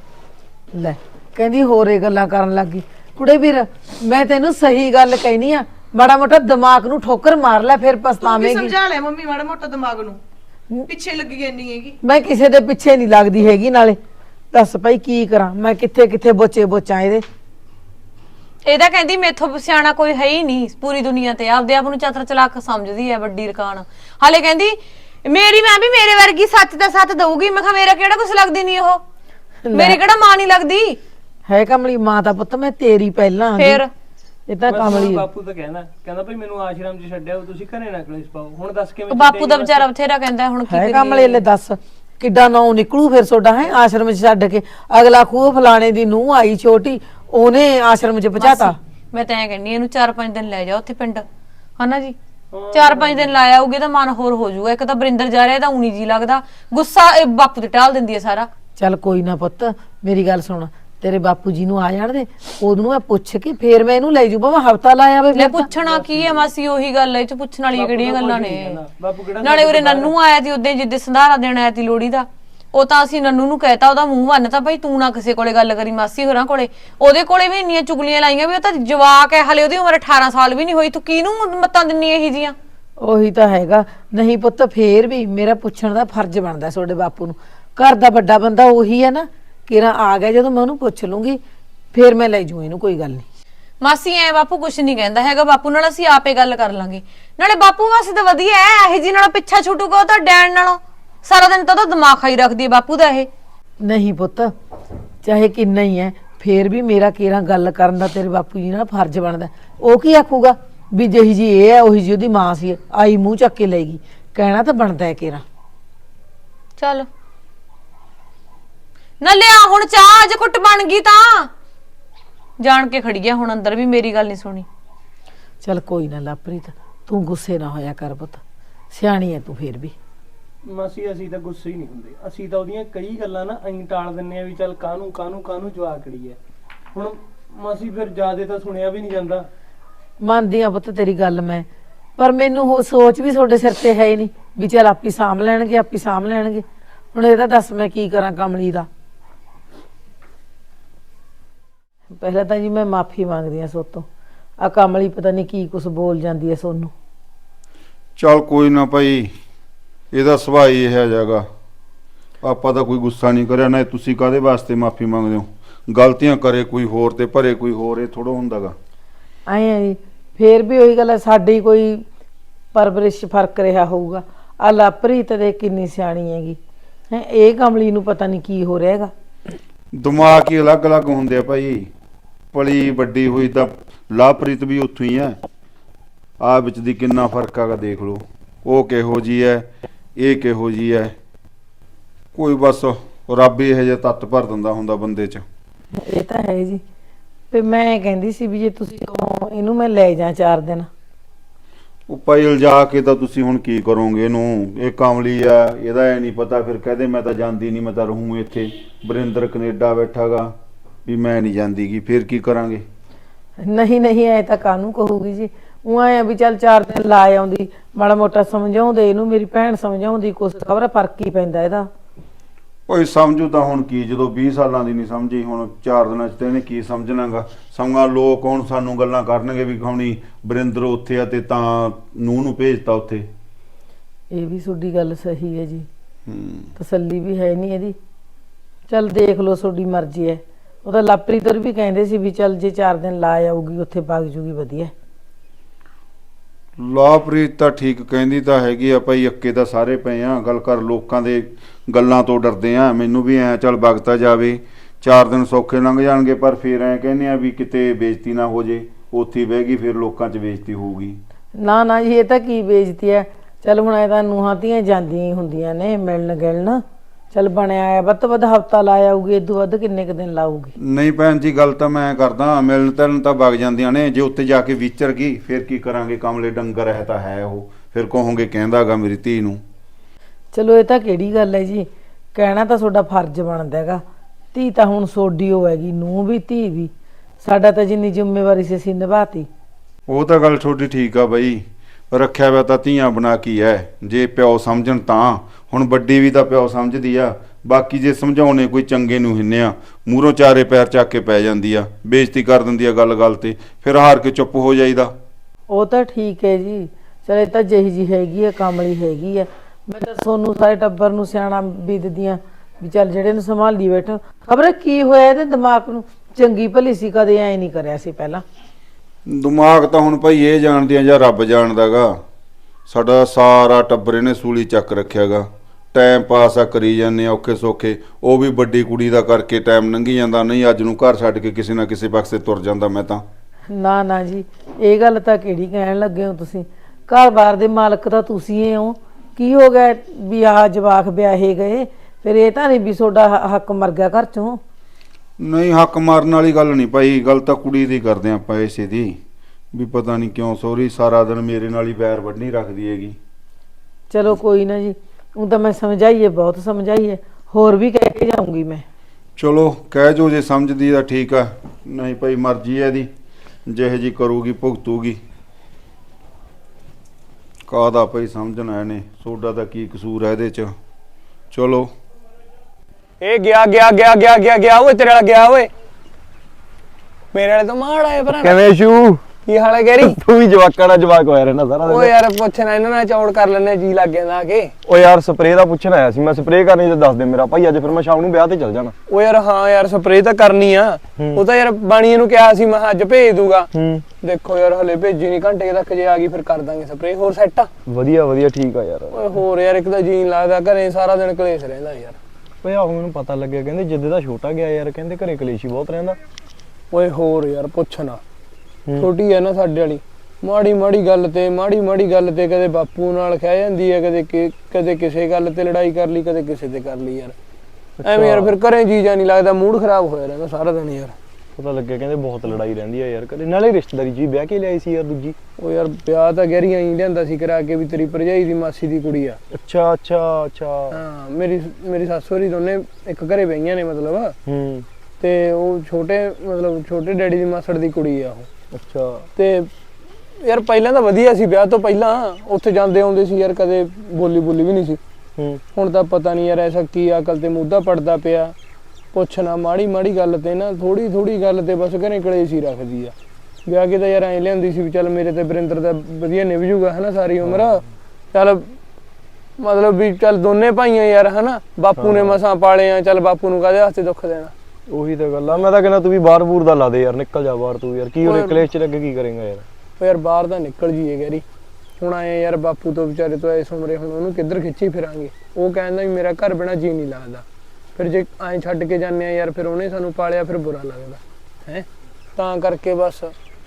[SPEAKER 1] ਲੈ ਕਹਿੰਦੀ ਹੋਰੇ ਗੱਲਾਂ ਕਰਨ ਲੱਗੀ। ਕੁੜੇ ਵੀਰ ਮੈਂ ਤੈਨੂੰ ਸਹੀ ਗੱਲ ਕਹਿਨੀ ਆ, ਮਾੜਾ ਮੋਟਾ ਦਿਮਾਗ ਨੂੰ ਠੋਕਰ ਮਾਰ ਲੈ ਫਿਰ
[SPEAKER 2] ਤੂੰ ਵੀ
[SPEAKER 1] ਪਛਤਾਵੇਂਗੀ।
[SPEAKER 2] ਸਮਝਾ ਲੈ ਮੰਮੀ ਮਾੜਾ ਮੋਟਾ ਦਿਮਾਗ ਨੂੰ। ਪਿੱਛੇ ਲੱਗੀ ਇੰਨੀ ਹੈਗੀ।
[SPEAKER 1] ਮੈਂ ਕਿਸੇ ਦੇ ਪਿੱਛੇ ਨਹੀਂ ਲੱਗਦੀ ਹੈਗੀ। ਨਾਲੇ ਦੱਸ ਭਾਈ ਕੀ ਕਰਾਂ ਮੈਂ, ਕਿੱਥੇ ਕਿੱਥੇ ਬੋਚੇ ਬੋਚਾਂ ਇਹਦੇ।
[SPEAKER 3] ਇਹਦਾ ਕਹਿੰਦੀ ਮੇਥੋਂ ਸਿਆਣਾ ਕੋਈ ਹੈ ਹੀ ਨਹੀਂ ਪੂਰੀ ਦੁਨੀਆ ਤੇ। ਆਪਦੇ ਆਪ ਨੂੰ ਚਤਰ ਚਲਾਕ ਸਮਝਦੀ ਹੈ, ਵੱਡੀ ਰਕਾਨ। ਹਾਲੇ ਕਹਿੰਦੀ ਮੇਰੀ ਮਾਂ ਵੀ ਮੇਰੇ ਵਰਗੀ ਸੱਚ ਦਾ ਸਾਥ ਦਊਗੀ। ਮੈਂ ਕਿਹਾ ਮੇਰਾ ਕਿਹੜਾ ਕੁਛ ਲੱਗਦੀ ਨਹੀਂ ਉਹ, ਮੇਰੀ ਕਿਹੜਾ ਮਾਂ ਨਹੀਂ ਲੱਗਦੀ
[SPEAKER 1] ਹੈ ਕਮਲੀ ਮਾਂ ਦਾ ਪੁੱਤ ਮੈਂ ਤੇਰੀ ਪਹਿਲਾਂ ਆਂਦੀ।
[SPEAKER 3] ਫੇਰ
[SPEAKER 1] ਇਹ ਤਾਂ
[SPEAKER 4] ਬਸ
[SPEAKER 1] ਕਮਲੀ ਹੈ।
[SPEAKER 4] ਬਾਪੂ ਤਾਂ ਕਹਿੰਦਾ ਕਹਿੰਦਾ ਭਾਈ ਮੈਨੂੰ ਆਸ਼ਰਮ 'ਚ ਛੱਡਿਆ ਤੁਸੀਂ ਘਰੇ ਨਾ ਕਲੇਸ਼ ਪਾਓ। ਹੁਣ ਦੱਸ ਕਿਵੇਂ
[SPEAKER 3] ਬਾਪੂ ਦਾ ਵਿਚਾਰਾ ਬਥੇਰਾ ਕਹਿੰਦਾ ਹੁਣ ਕੀ
[SPEAKER 1] ਹੈ
[SPEAKER 3] ਕਰੀਏ।
[SPEAKER 1] ਕਮਲੇ ਲੈ ਦੱਸ ਕਿੱਡਾ ਨਾਂ ਨਿਕਲੂ ਫਿਰ ਤੁਹਾਡਾ ਹੈ ਆਸ਼ਰਮ 'ਚ ਛੱਡ ਕੇ। ਅਗਲਾ ਖੂਹ ਫਲਾਣੇ ਦੀ ਨੂੰਹ ਆਈ ਛੋਟੀ, ਉਹਨੇ ਆਸ਼ਰਮ 'ਚ ਪਹੁੰਚਾਤਾ।
[SPEAKER 3] ਮੈਂ ਤਾਂ ਐ ਕਹਿੰਨੀ ਇਹਨੂੰ ਚਾਰ ਪੰਜ ਦਿਨ ਲੈ ਜਾ ਉੱਥੇ ਪਿੰਡ, ਹਨਾ ਜੀ। ਚਾਰ ਪੰਜ ਦਿਨ ਲਾਇਆ ਆਉਗੇ ਤਾਂ ਮਨ ਹੋਰ ਹੋ ਜਾਊਗਾ। ਇੱਕ ਤਾਂ ਬਰਿੰਦਰ ਜਾ ਰਿਹਾ ਤਾਂ ਊਣੀ ਜੀ ਲੱਗਦਾ, ਗੁੱਸਾ ਇਹ ਬਾਪੂ ਤੇ ਟਾਲ ਦਿੰਦੀ ਹੈ ਸਾਰਾ।
[SPEAKER 1] ਚੱਲ ਕੋਈ ਨਾ ਪੁੱਤ ਮੇਰੀ ਗੱਲ ਸੁਣ, ਤੇਰੇ ਬਾਪੂ ਜੀ ਨੂੰ ਆ ਜਾਣ ਦੇ, ਉਹਨੂੰ ਮੈਂ ਪੁੱਛ ਕੇ ਫੇਰ ਮੈਂ ਇਹਨੂੰ ਲੈ ਜੂ। ਭਾਵੇਂ ਹਫਤਾ ਲਾਇਆ ਵੇ
[SPEAKER 3] ਲੈ ਪੁੱਛਣਾ ਕੀ ਹੈ ਮਾਸੀ, ਉਹੀ ਗੱਲ ਹੈ, ਇਹ ਚ ਪੁੱਛਣ ਵਾਲੀਆਂ ਕਿਹੜੀਆਂ ਗੱਲਾਂ ਨੇ।
[SPEAKER 4] ਬਾਪੂ ਕਿਹੜਾ
[SPEAKER 3] ਨਾਲੇ ਉਰੇ ਨੰਨੂ ਆਇਆ ਸੀ ਉਦੋਂ ਜਿੱਦੇ ਸੰਧਾਰਾ ਦੇਣ ਆਇਆ ਸੀ ਲੋਹੜੀ ਦਾ, ਉਹ ਤਾਂ ਅਸੀਂ ਨੰਨੂ ਨੂੰ ਕਹਿਤਾ, ਉਹਦਾ ਮੂੰਹ ਬੰਨਤਾ ਭਾਈ ਤੂੰ ਨਾ ਕਿਸੇ ਕੋਲੇ ਗੱਲ ਕਰੀ ਮਾਸੀ ਹੋਰਾਂ ਕੋਲੇ। ਉਹਦੇ ਕੋਲੇ ਵੀ ਇੰਨੀਆਂ ਚੁਗਲੀਆਂ ਲਾਈਆਂ ਵੀ ਉਹ ਤਾਂ ਜਵਾਕ ਹੈ ਹਲੇ, ਉਹਦੀ ਉਮਰ ਅਠਾਰਾਂ ਸਾਲ ਵੀ ਨਹੀਂ ਹੋਈ, ਤੂੰ ਕਿਹਨੂੰ ਮੱਤਾਂ ਦਿੰਨੀ ਇਹੀ ਜੀਆਂ।
[SPEAKER 1] ਉਹੀ ਤਾਂ ਹੈਗਾ। ਨਹੀਂ ਪੁੱਤ ਫੇਰ ਵੀ ਮੇਰਾ ਪੁੱਛਣ ਦਾ ਫਰਜ਼ ਬਣਦਾ ਤੁਹਾਡੇ ਬਾਪੂ ਨੂੰ। ਘਰ ਦਾ ਵੱਡਾ ਬੰਦਾ ਉਹੀ ਹੈ ਨਾ। ਕਿਰਾ ਆ ਗਿਆ ਜਦੋਂ ਮੈਂ ਉਹਨੂੰ ਪੁੱਛ ਲੂੰਗੀ ਫੇਰ ਮੈਂ ਲੈ ਜੂ ਇਹਨੂੰ, ਕੋਈ ਗੱਲ ਨਹੀਂ।
[SPEAKER 3] ਮਾਸੀ ਐ ਬਾਪੂ ਕੁਛ ਨਹੀਂ ਕਹਿੰਦਾ ਹੈਗਾ, ਬਾਪੂ ਨਾਲ ਅਸੀਂ ਆਪੇ ਗੱਲ ਕਰ ਲਾਂਗੇ। ਨਾਲੇ ਬਾਪੂ ਵਾਸਤੇ ਤਾਂ ਵਧੀਆ ਐ, ਇਹ ਜੀ ਨਾਲ ਪਿੱਛਾ ਛੁੱਟੂਗਾ ਉਹ ਤਾਂ ਡੈਣ ਨਾਲੋਂ। ਸਾਰਾ ਦਿਨ ਤਾਂ ਉਹਦਾ ਦਿਮਾਗ ਖਾਈ ਰੱਖਦੀ ਹੈ ਬਾਪੂ ਦਾ ਇਹ।
[SPEAKER 1] ਨਹੀਂ ਪੁੱਤ ਚਾਹੇ ਕਿੰਨਾ ਹੀ ਹੈ ਫੇਰ ਵੀ ਮੇਰਾ ਕਿਰਾ ਗੱਲ ਕਰਨ ਦਾ ਤੇਰੇ ਬਾਪੂ ਜੀ ਨਾਲ ਫਰਜ਼ ਬਣਦਾ। ਉਹ ਕੀ ਆਖੂਗਾ ਵੀ ਜਿਹੀ ਜੀ ਇਹ ਹੈ ਉਹੀ ਜੀ ਉਹਦੀ ਮਾਂ ਸੀ, ਆਈ ਮੂੰਹ ਚੱਕ ਕੇ ਲੈਗੀ। ਕਹਿਣਾ ਤਾਂ ਬਣਦਾ ਹੈ ਕਿਰਾ।
[SPEAKER 3] ਚੱਲ ਨਾ ਲਿਆ ਹੁਣ ਚਾਹ, ਅੱਜ ਕੁੱਟ ਬਣ ਗਈ ਤਾਂ ਜਾਣ ਕੇ ਖੜੀ ਗਿਆ ਹੁਣ ਅੰਦਰ ਵੀ, ਮੇਰੀ ਗੱਲ ਨਹੀਂ ਸੁਣੀ।
[SPEAKER 1] ਚੱਲ ਕੋਈ ਨਾ ਲਵਪ੍ਰੀਤ ਤੂੰ ਗੁੱਸੇ ਨਾ ਹੋਇਆ ਕਰ ਪੁੱਤ, ਸਿਆਣੀ ਹੈ ਤੂੰ ਫੇਰ ਵੀ।
[SPEAKER 4] ਮਾਸੀ ਅਸੀਂ ਤਾਂ ਗੁੱਸੇ ਹੀ ਨਹੀਂ ਹੁੰਦੇ, ਅਸੀਂ ਤਾਂ ਉਹਦੀਆਂ ਕਈ ਗੱਲਾਂ ਨਾ ਐਂ ਟਾਲ ਦਿੰਨੇ ਆ ਵੀ ਚੱਲ ਕਾਹਨੂੰ ਕਾਹਨੂੰ ਕਾਹਨੂੰ ਜਵਾਕੜੀ ਐ। ਹੁਣ ਮਾਸੀ ਫਿਰ ਜਿਆਦੇ ਤਾਂ ਸੁਣਿਆ ਵੀ ਨਹੀਂ ਜਾਂਦਾ।
[SPEAKER 1] ਮੰਨਦੀ ਆ ਪੁੱਤ ਤੇਰੀ ਗੱਲ ਮੈਂ, ਪਰ ਮੈਨੂੰ ਉਹ ਸੋਚ ਵੀ ਤੁਹਾਡੇ ਸਿਰ ਤੇ ਹੈ ਹੀ ਨਹੀਂ ਵੀ ਚੱਲ ਆਪੀ ਸਾਂਭ ਲੈਣਗੇ ਆਪੀ ਸਾਂਭ ਲੈਣਗੇ। ਹੁਣ ਇਹਦਾ ਦੱਸ ਮੈਂ ਕੀ ਕਰਾਂ ਕਮਲੀ ਦਾ। ਪਹਿਲਾਂ ਤਾਂ ਜੀ ਮੈਂ ਮਾਫੀ ਮੰਗਦੀ ਆ ਸੋਤੋਂ, ਆ ਕਮਲੀ ਪਤਾ ਨਹੀਂ ਕੀ ਕੁਛ ਬੋਲ ਜਾਂਦੀ ਹੈ ਸੋਨੂੰ।
[SPEAKER 5] ਚੱਲ ਕੋਈ ਨਾ ਭਾਈ, ਇਹਦਾ ਸੁਭਾਅ ਹੀ ਇਹ ਜਾਗਾ। ਆਪਾਂ ਤਾਂ ਕੋਈ ਗੁੱਸਾ ਨਹੀਂ ਕਰਿਆ, ਨਾ ਤੁਸੀਂ ਕਾਹਦੇ ਵਾਸਤੇ ਮਾਫੀ ਮੰਗਦੇ ਹੋ। ਗਲਤੀਆਂ ਕਰੇ ਕੋਈ ਹੋਰ ਤੇ ਭਰੇ ਕੋਈ ਹੋਰ, ਇਹ ਥੋੜਾ ਹੁੰਦਾਗਾ।
[SPEAKER 1] ਆਏ ਆ ਜੀ ਫੇਰ ਵੀ ਉਹੀ ਗੱਲ ਹੈ, ਸਾਡੀ ਕੋਈ ਪਰਵਰਿਸ਼ ਫਰਕ ਰਿਹਾ ਹੋਊਗਾ। ਆ ਲਵਪ੍ਰੀਤ ਦੇ ਕਿੰਨੀ ਸਿਆਣੀ ਹੈਗੀ ਹੈ, ਇਹ ਕਮਲੀ ਨੂੰ ਪਤਾ ਨਹੀਂ ਕੀ ਹੋ ਰਿਹਾ ਹੈਗਾ।
[SPEAKER 5] ਦਿਮਾਗ ਹੀ ਅਲੱਗ-ਅਲੱਗ ਹੁੰਦੇ ਆ ਭਾਈ। ਪਲੀ ਵੱਡੀ ਹੋਈ ਤਾਂ ਲਵਪ੍ਰੀਤ ਵੀ ਉੱਥੋਂ ਹੀ ਹੈ। ਆ ਵਿੱਚ ਦੀ ਕਿੰਨਾ ਫਰਕ ਆਗਾ ਦੇਖ ਲਓ। ਉਹ ਕਿਹੋ ਜੀ ਹੈ, ਇਹ ਕਿਹੋ ਜੀ ਹੈ। ਕੋਈ ਬਸ ਰੱਬ ਹੀ ਇਹੋ ਜਿਹਾ ਤੱਤ ਭਰ ਦਿੰਦਾ ਹੁੰਦਾ ਬੰਦੇ 'ਚ।
[SPEAKER 1] ਇਹ ਤਾਂ ਹੈ ਜੀ। ਤੇ ਮੈਂ ਕਹਿੰਦੀ ਸੀ ਵੀ ਜੇ ਤੁਸੀਂ ਕਹੋ ਇਹਨੂੰ ਮੈਂ ਲੈ ਜਾ ਚਾਰ ਦਿਨ।
[SPEAKER 5] ਉਹ ਭਾਈ ਇਲਜਾ ਕੇ ਤਾਂ ਤੁਸੀਂ ਹੁਣ ਕੀ ਕਰੋਗੇ ਇਹਨੂੰ। ਇਹ ਕਾਮਲੀ ਆ, ਇਹਦਾ ਇਹ ਨਹੀਂ ਪਤਾ ਫਿਰ ਕਹਦੇ ਮੈਂ ਤਾਂ ਜਾਂਦੀ ਨਹੀਂ, ਮੈਂ ਤਾਂ ਰਹੂੰ ਇੱਥੇ। ਵਰਿੰਦਰ ਕੈਨੇਡਾ ਬੈਠਾਗਾ ਵੀ ਮੈਂ ਨਹੀਂ ਜਾਂਦੀਗੀ, ਫਿਰ ਕੀ ਕਰਾਂਗੇ।
[SPEAKER 1] ਨਹੀਂ ਨਹੀਂ ਐ ਤਾਂ ਕਾਹਨੂੰ ਕਹੂਗੀ ਜੀ। ਉਹ ਆਏ ਆ ਵੀ ਚੱਲ ਚਾਰ ਦਿਨ ਲਾ ਆਉਂਦੀ, ਮਾੜਾ ਮੋਟਾ ਸਮਝਾਉਂਦੇ ਇਹਨੂੰ, ਮੇਰੀ ਭੈਣ ਸਮਝਾਉਂਦੀ, ਕੁਛ ਖਬਰ ਫਰਕ ਹੀ ਪੈਂਦਾ ਇਹਦਾ।
[SPEAKER 5] ਓਏ ਸਮਝੂ ਤਾਂ ਹੁਣ ਕੀ, ਜਦੋਂ ਵੀਹ ਸਾਲਾਂ ਦੀ ਨਹੀਂ ਸਮਝੀ, ਹੁਣ ਚਾਰ ਦਿਨਾਂ 'ਚ ਤੇ ਇਹਨੇ ਕੀ ਸਮਝਣਾਗਾ। ਸਮਾਂ ਲੋਕ ਹੁਣ ਸਾਨੂੰ ਗੱਲਾਂ ਕਰਨਗੇ ਵੀ ਕਹਾਣੀ ਵਰਿੰਦਰ ਉੱਥੇ ਆ ਤੇ ਤਾਂ ਨੂੰਹ ਨੂੰ ਭੇਜਤਾ ਉੱਥੇ।
[SPEAKER 1] ਇਹ ਵੀ ਤੁਹਾਡੀ ਗੱਲ ਸਹੀ ਹੈ ਜੀ,
[SPEAKER 5] ਹੂੰ
[SPEAKER 1] ਤਸੱਲੀ ਵੀ ਹੈ ਨਹੀਂ ਇਹਦੀ। ਚੱਲ ਦੇਖ ਲਓ ਤੁਹਾਡੀ ਮਰਜ਼ੀ ਹੈ। ਉਹ ਤਾਂ ਲਵਪ੍ਰੀਤ ਵੀ ਕਹਿੰਦੇ ਸੀ ਵੀ ਚੱਲ ਜੇ ਚਾਰ ਦਿਨ ਲਾ ਆਊਗੀ ਉੱਥੇ ਵਗ ਜੂਗੀ ਵਧੀਆ।
[SPEAKER 5] ਲਵਪ੍ਰੀਤ ਤਾਂ ਠੀਕ ਕਹਿੰਦੀ ਤਾਂ ਹੈਗੀ ਆ ਭਾਈ, ਅੱਕੇ ਤਾਂ ਸਾਰੇ ਪਏ ਆ। ਗੱਲ ਕਰ ਲੋਕਾਂ ਦੇ ਗੱਲਾਂ ਤੋਂ ਡਰਦੇ ਆ। ਮੈਨੂੰ ਵੀ ਐ ਚੱਲ ਵਗਤਾ ਜਾਵੇ, ਚਾਰ ਦਿਨ ਸੌਖੇ ਲੰਘ ਜਾਣਗੇ, ਪਰ ਫਿਰ ਐ ਕਹਿੰਦੇ ਆ ਵੀ ਕਿਤੇ ਬੇਇੱਜ਼ਤੀ ਨਾ ਹੋ ਜੇ। ਉੱਥੇ ਬਹਿ ਗਈ ਫਿਰ ਲੋਕਾਂ 'ਚ ਬੇਇੱਜ਼ਤੀ ਹੋਊਗੀ।
[SPEAKER 1] ਨਾ ਨਾ ਜੀ ਇਹ ਤਾਂ ਕੀ ਬੇਇੱਜ਼ਤੀ ਹੈ। ਚੱਲ ਹੁਣ ਇਹ ਤਾਂ ਨੂੰਹਾਂ ਧੀਆਂ ਜਾਂਦੀਆਂ ਹੀ ਹੁੰਦੀਆਂ ਨੇ ਮਿਲਣ ਗਿਲਣ। ਚੱਲ ਬਣਿਆ ਆ, ਵੱਧ ਤੋਂ ਵੱਧ ਹਫਤਾ ਲਾ ਆਊਗੀ, ਇਦੋਂ ਵੱਧ ਕਿੰਨੇ ਕੁ ਦਿਨ ਲਾਊਗੀ।
[SPEAKER 5] ਨਹੀਂ ਭੈਣ ਜੀ ਗੱਲ ਤਾਂ ਮੈਂ ਕਰਦਾ, ਮਿਲਣ ਤਲਣ ਤਾਂ ਵਗ ਜਾਂਦੀਆਂ ਨੇ। ਜੇ ਉੱਤੇ ਜਾ ਕੇ ਵਿਚਰ ਗਈ ਫਿਰ ਕੀ ਕਰਾਂਗੇ। ਕਮਲੇ ਡੰਗਰ ਹੈ ਤਾਂ ਹੈ ਉਹ, ਫਿਰ ਕਹੋਗੇ ਕਹਿੰਦਾਗਾ ਮੇਰੀ ਧੀ ਨੂੰ।
[SPEAKER 1] ਚਲੋ ਇਹ ਤਾਂ ਕਿਹੜੀ ਗੱਲ ਹੈ ਜੀ, ਕਹਿਣਾ ਤਾਂ ਤੁਹਾਡਾ ਫਰਜ਼ ਬਣਦਾ ਹੈਗਾ। ਧੀ ਤਾਂ ਹੁਣ ਸੋਡੀ ਉਹ ਹੈਗੀ, ਨੂੰਹ ਵੀ ਧੀ ਵੀ। ਸਾਡਾ ਤਾਂ ਜਿੰਨੀ ਜ਼ਿੰਮੇਵਾਰੀ ਸੀ ਅਸੀਂ ਨਿਭਾਤੀ।
[SPEAKER 5] ਉਹ ਤਾਂ ਗੱਲ ਤੁਹਾਡੀ ਠੀਕ ਆ ਬਈ, ਰੱਖਿਆ ਵਾ ਤਾਂ ਧੀਆਂ ਬਣਾ ਕੀ ਐ। ਜੇ ਪਿਓ ਸਮਝਣ ਤਾਂ, ਹੁਣ ਵੱਡੀ ਵੀ ਤਾਂ ਪਿਓ ਸਮਝਦੀ ਆ। ਬਾਕੀ ਜੇ ਸਮਝਾਉਣੇ ਕੋਈ ਚੰਗੇ ਨੂੰ ਹਿੰਨੇ ਆ, ਮੂਹਰੋਂ ਚਾਰੇ ਪੈਰ ਚੱਕ ਕੇ ਪੈ ਜਾਂਦੀ ਆ, ਬੇਇੱਜ਼ਤੀ ਕਰ ਦਿੰਦੀ ਆ ਗੱਲ ਗੱਲ ਤੇ, ਫਿਰ ਹਾਰ ਕੇ ਚੁੱਪ ਹੋ ਜਾਈਦਾ।
[SPEAKER 1] ਉਹ ਤਾਂ ਠੀਕ ਹੈ ਜੀ, ਚਲ ਇਹ ਤਾਂ ਜਿਹੀ ਜੀ ਹੈਗੀ ਹੈ ਕਮਲੀ ਹੈਗੀ ਹੈ। ਮੈਂ ਤਾਂ ਸੋਨੂੰ ਸਾਰੇ ਟੱਬਰ ਨੂੰ ਸਿਆਣਾ ਬਿੱਦਦੀ ਆ ਵੀ ਚੱਲ ਜਿਹੜੇ ਨੂੰ ਸੰਭਾਲੀ ਬੈਠੋ। ਖਬਰ ਕੀ ਹੋਇਆ ਇਹਦੇ ਦਿਮਾਗ ਨੂੰ, ਚੰਗੀ ਭਲੀ ਸੀ, ਕਦੇ ਐ ਨਹੀਂ ਕਰਿਆ ਸੀ ਪਹਿਲਾਂ।
[SPEAKER 5] ਦਿਮਾਗ ਤਾਂ ਹੁਣ ਭਾਈ ਇਹ ਜਾਣਦੀ ਆ ਜਾਂ ਰੱਬ ਜਾਣਦਾਗਾ। ਸਾਡਾ ਸਾਰਾ ਟੱਬਰ ਇਹਨੇ ਸੂਲੀ ਚੱਕ ਰੱਖਿਆਗਾ। ਟਾਈਮ ਪਾਸ ਆ ਕਰੀ ਜਾਂਦੇ ਆ ਔਖੇ ਸੌਖੇ। ਉਹ ਵੀ ਵੱਡੀ ਕੁੜੀ ਦਾ ਕਰਕੇ ਟਾਈਮ ਲੰਘੀ ਜਾਂਦਾ। ਨਹੀਂ ਅੱਜ ਨੂੰ ਘਰ ਛੱਡ ਕੇ ਕਿਸੇ ਨਾ ਕਿਸੇ ਪਾਸੇ ਤੁਰ ਜਾਂਦਾ ਮੈਂ ਤਾਂ।
[SPEAKER 1] ਨਾ ਨਾ ਜੀ ਇਹ ਗੱਲ ਤਾਂ ਕਿਹੜੀ ਕਹਿਣ ਲੱਗੇ ਹੋ ਤੁਸੀਂ। ਘਰ-ਬਾਰ ਦੇ ਮਾਲਕ ਤਾਂ ਤੁਸੀਂ ਹੀ ਹੋ। ਕੀ ਹੋ ਗਿਆ ਵੀ ਆਹ ਜਵਾਕ ਵਿਆਹੇ ਗਏ, ਫਿਰ ਇਹ ਤਾਂ ਨਹੀਂ ਵੀ ਤੁਹਾਡਾ ਹੱਕ ਮਰ ਗਿਆ ਘਰ ਚੋਂ।
[SPEAKER 5] ਨਹੀਂ ਹੱਕ ਮਾਰਨ ਵਾਲੀ ਗੱਲ ਨਹੀਂ ਭਾਈ, ਗੱਲ ਤਾਂ ਕੁੜੀ ਦੀ ਕਰਦੇ ਆਪਾਂ ਇਸੇ ਦੀ। ਵੀ ਪਤਾ ਨਹੀਂ ਕਿਉਂ ਸਹੁਰੀ ਸਾਰਾ ਦਿਨ ਮੇਰੇ ਨਾਲ ਹੀ ਵੈਰ ਵੱਢਣੀ ਰੱਖਦੀ ਹੈਗੀ।
[SPEAKER 1] ਚਲੋ ਕੋਈ ਨਾ ਜੀ, ਉਹ ਤਾਂ ਮੈਂ ਸਮਝਾਈਏ, ਬਹੁਤ ਸਮਝਾਈਏ, ਹੋਰ ਵੀ ਕਹਿ ਕੇ ਜਾਊਂਗੀ ਮੈਂ।
[SPEAKER 5] ਚਲੋ ਕਹਿ ਜੋ ਜੇ ਸਮਝਦੀ ਆ ਠੀਕ ਆ, ਨਹੀਂ ਭਾਈ ਮਰਜ਼ੀ ਹੈ ਇਹਦੀ, ਜਿਹੇ ਜੀ ਕਰੂਗੀ ਭੁਗਤੂਗੀ। ਕਾਹਦਾ ਭਾਈ ਸਮਝਣਾ ਇਹਨੇ, ਸੋਡਾ ਦਾ ਕੀ ਕਸੂਰ ਹੈ ਇਹਦੇ 'ਚ। ਚਲੋ
[SPEAKER 6] ਇਹ ਗਿਆ ਗਿਆ ਗਿਆ ਗਿਆ ਗਿਆ ਗਿਆ ਓਏ ਤੇਰੇ ਵਾਲਾ ਗਿਆ ਓਏ ਮੇਰੇ ਵਾਲੇ ਤੋਂ ਮਾੜ ਆਏ ਭਰਾ
[SPEAKER 7] ਕਿਵੇਂ ਸ਼ੂ
[SPEAKER 6] ਕੀ ਹਾਲ ਹੈ ਗੈਰੀ
[SPEAKER 7] ਤੂੰ ਵੀ ਜਵਾਕਾਂ ਦਾ ਜਵਾਕ ਹੋਇਆ ਰਹਿਣਾ ਸਾਰਾ
[SPEAKER 6] ਓ
[SPEAKER 7] ਦਿਨ
[SPEAKER 6] ਯਾਰ ਪੁੱਛਣਾ ਇਹਨਾਂ ਨਾਲ ਚੌੜ ਕਰ ਲੈਣੇ ਜੀ ਲੱਗ ਜਾਂਦਾ ਆ ਕੇ
[SPEAKER 7] ਓ ਯਾਰ ਸਪਰੇਅ ਦਾ ਪੁੱਛਣ ਆਇਆ ਸੀ ਮੈਂ ਸਪਰੇਅ ਕਰਨੀ ਤੇ ਦੱਸ ਦੇ ਮੇਰਾ ਭਾਈ ਅੱਜ ਫਿਰ ਮੈਂ ਸ਼ਾਮ ਨੂੰ ਵਿਆਹ ਤੇ ਚੱਲ ਜਾਣਾ
[SPEAKER 6] ਓ ਯਾਰ ਹਾਂ ਯਾਰ ਸਪਰੇਅ ਤਾਂ ਕਰਨੀ ਆ ਉਹ ਤਾਂ ਯਾਰ ਬਾਣੀਏ ਨੂੰ ਕਿਹਾ ਸੀ ਮੈਂ ਕਿਹਾ ਅੱਜ ਭੇਜ ਦੂੰਗਾ
[SPEAKER 7] ਹੂੰ
[SPEAKER 6] ਦੇਖੋ ਯਾਰ ਹਲੇ ਭੇਜੀ ਨਹੀਂ ਘੰਟੇ ਕੁ ਤੱਕ ਜੇ ਆ ਗਈ ਫਿਰ ਕਰ ਦਾਂਗੇ ਸਪਰੇਅ ਹੋਰ ਸੈੱਟ ਆ
[SPEAKER 7] ਵਧੀਆ ਵਧੀਆ ਠੀਕ ਆ ਯਾਰ
[SPEAKER 6] ਓਏ ਹੋਰ ਯਾਰ ਇੱਕ ਤਾਂ ਜੀਨ ਲੱਗਦਾ ਘਰੇ ਸਾਰਾ ਦਿਨ ਕਲੇਸ਼ ਰਹਿੰਦਾ ਯਾਰ
[SPEAKER 7] ਓਏ ਆਹੋ ਮੈਨੂੰ ਪਤਾ ਲੱਗਿਆ ਕਹਿੰਦੇ ਜਿੱਦੇ ਦਾ ਛੋਟਾ ਗਿਆ ਯਾਰ ਕਹਿੰਦੇ ਘਰੇ ਕਲੇਸ਼ੀ ਬਹੁਤ ਰਹਿੰਦਾ
[SPEAKER 6] ਓਏ ਹੋਰ ਯਾਰ ਪੁੱਛਣਾ ਛੋਟੀ ਹੈ ਨਾ ਸਾਡੇ ਵਾਲੀ ਮਾੜੀ ਮਾੜੀ ਗੱਲ ਤੇ ਮਾੜੀ ਮਾੜੀ ਗੱਲ ਤੇ ਕਦੇ ਬਾਪੂ ਨਾਲ ਖਹਿ ਜਾਂਦੀ ਹੈ ਕਦੇ ਕਿ- ਕਦੇ ਕਿਸੇ ਗੱਲ ਤੇ ਲੜਾਈ ਕਰ ਲਈ ਕਦੇ ਕਿਸੇ ਤੇ ਕਰ ਲਈ ਯਾਰ ਐਵੇਂ ਯਾਰ ਫਿਰ ਘਰੇ ਜੀਜਾ ਨਹੀਂ ਲੱਗਦਾ ਮੂਡ ਖਰਾਬ ਹੋਇਆ ਰਹਿੰਦਾ ਸਾਰਾ ਦਿਨ ਯਾਰ
[SPEAKER 7] ਪਤਾ ਲੱਗਿਆ ਕਹਿੰਦੇ ਬਹੁਤ ਲੜਾਈ ਰਹਿੰਦੀ ਆ ਯਾਰ ਕਦੇ ਨਾਲੇ ਰਿਸ਼ਤੇਦਾਰੀ ਜੀ ਵਿਆਹ ਕੇ ਲਿਆਈ ਸੀ ਯਾਰ ਦੂਜੀ
[SPEAKER 6] ਉਹ ਯਾਰ ਵਿਆਹ ਤਾਂ ਗਹਿਰੀਆਂ ਹੀ ਲਿਆਂਦਾ ਸੀ ਕਰਾ ਕੇ ਵੀ ਤੇਰੀ ਭਰਜਾਈ ਦੀ ਮਾਸੀ ਦੀ ਕੁੜੀ ਆ
[SPEAKER 7] ਅੱਛਾ ਅੱਛਾ ਅੱਛਾ
[SPEAKER 6] ਹਾਂ ਮੇਰੀ ਮੇਰੀ ਸੱਸ ਹੋਰੀ ਦੋਨੇ ਇੱਕ ਘਰੇ ਬਈਆਂ ਨੇ ਮਤਲਬ
[SPEAKER 7] ਹੂੰ
[SPEAKER 6] ਤੇ ਉਹ ਛੋਟੇ ਮਤਲਬ ਛੋਟੇ ਡੈਡੀ ਦੀ ਮਾਸੜ ਦੀ ਕੁੜੀ ਆ ਉਹ
[SPEAKER 7] ਅੱਛਾ
[SPEAKER 6] ਤੇ ਯਾਰ ਪਹਿਲਾਂ ਤਾਂ ਵਧੀਆ ਸੀ ਵਿਆਹ ਤੋਂ ਪਹਿਲਾਂ ਉੱਥੇ ਜਾਂਦੇ ਆਉਂਦੇ ਸੀ ਯਾਰ ਕਦੇ ਬੋਲੀ ਬੋਲੀ ਵੀ ਨਹੀਂ ਸੀ
[SPEAKER 7] ਹੂੰ
[SPEAKER 6] ਹੁਣ ਤਾਂ ਪਤਾ ਨਹੀਂ ਯਾਰ ਐਸਾ ਕੀ ਅਕਲ ਤੇ ਮੁੱਦਾ ਪੜਦਾ ਪਿਆ ਪੁੱਛਣਾ ਮਾੜੀ ਮਾੜੀ ਗੱਲ ਤੇ ਨਾ ਥੋੜੀ ਥੋੜੀ ਗੱਲ ਤੇ ਬਸ ਘਰੇ ਕਲੇਸ਼ ਹੀ ਰੱਖਦੀ ਆ ਵਿਆਹ ਕੇ ਤਾਂ ਯਾਰ ਐਂ ਲਿਆਂਦੀ ਸੀ ਵੀ ਚੱਲ ਮੇਰੇ ਤੇ ਵਰਿੰਦਰ ਦਾ ਵਧੀਆ ਨਿਭ ਜੂਗਾ ਹਨਾ ਸਾਰੀ ਉਮਰ ਚੱਲ ਮਤਲਬ ਵੀ ਚੱਲ ਦੋਨੇ ਭਾਈਆਂ ਯਾਰ ਹਨਾ ਬਾਪੂ ਨੇ ਮਸਾਂ ਪਾਲੇ ਆ ਚੱਲ ਬਾਪੂ ਨੂੰ ਕਾਹਦੇ ਵਾਸਤੇ ਦੁੱਖ ਦੇਣਾ
[SPEAKER 7] ਉਹੀ ਤਾਂ ਗੱਲ ਆ ਮੈਂ ਤਾਂ ਕਹਿੰਦਾ ਤੂੰ ਵੀ ਬਾਹਰ ਬੂਰ ਦਾ ਲਾ ਦੇ ਯਾਰ ਨਿਕਲ ਜਾ ਬਾਹਰ ਤੂੰ ਯਾਰ ਕੀ ਉਹਨੇ ਕਲੇਸ਼ ਚ ਲੱਗੇ ਕੀ ਕਰੇਂਗਾ ਯਾਰ
[SPEAKER 6] ਉਹ ਯਾਰ ਬਾਹਰ ਦਾ ਨਿਕਲ ਜੀਏ ਗੈਰੀ ਹੁਣ ਆਏ ਯਾਰ ਬਾਪੂ ਤੋਂ ਵਿਚਾਰੇ ਤੋਂ ਇਸ ਉਮਰੇ ਹੁਣ ਉਹਨੂੰ ਕਿੱਧਰ ਖਿੱਚੀ ਫਿਰਾਂਗੇ ਉਹ ਕਹਿੰਦਾ ਵੀ ਮੇਰਾ ਘਰ ਬਿਨਾ ਜੀ ਨਹੀਂ ਲੱਗਦਾ ਫਿਰ ਜੇ ਐਂ ਛੱਡ ਕੇ ਜਾਂਦੇ ਆ ਯਾਰ ਫਿਰ ਉਹਨੇ ਸਾਨੂੰ ਪਾਲਿਆ ਫਿਰ ਬੁਰਾ ਲੱਗਦਾ ਹੈ ਤਾਂ ਕਰਕੇ ਬਸ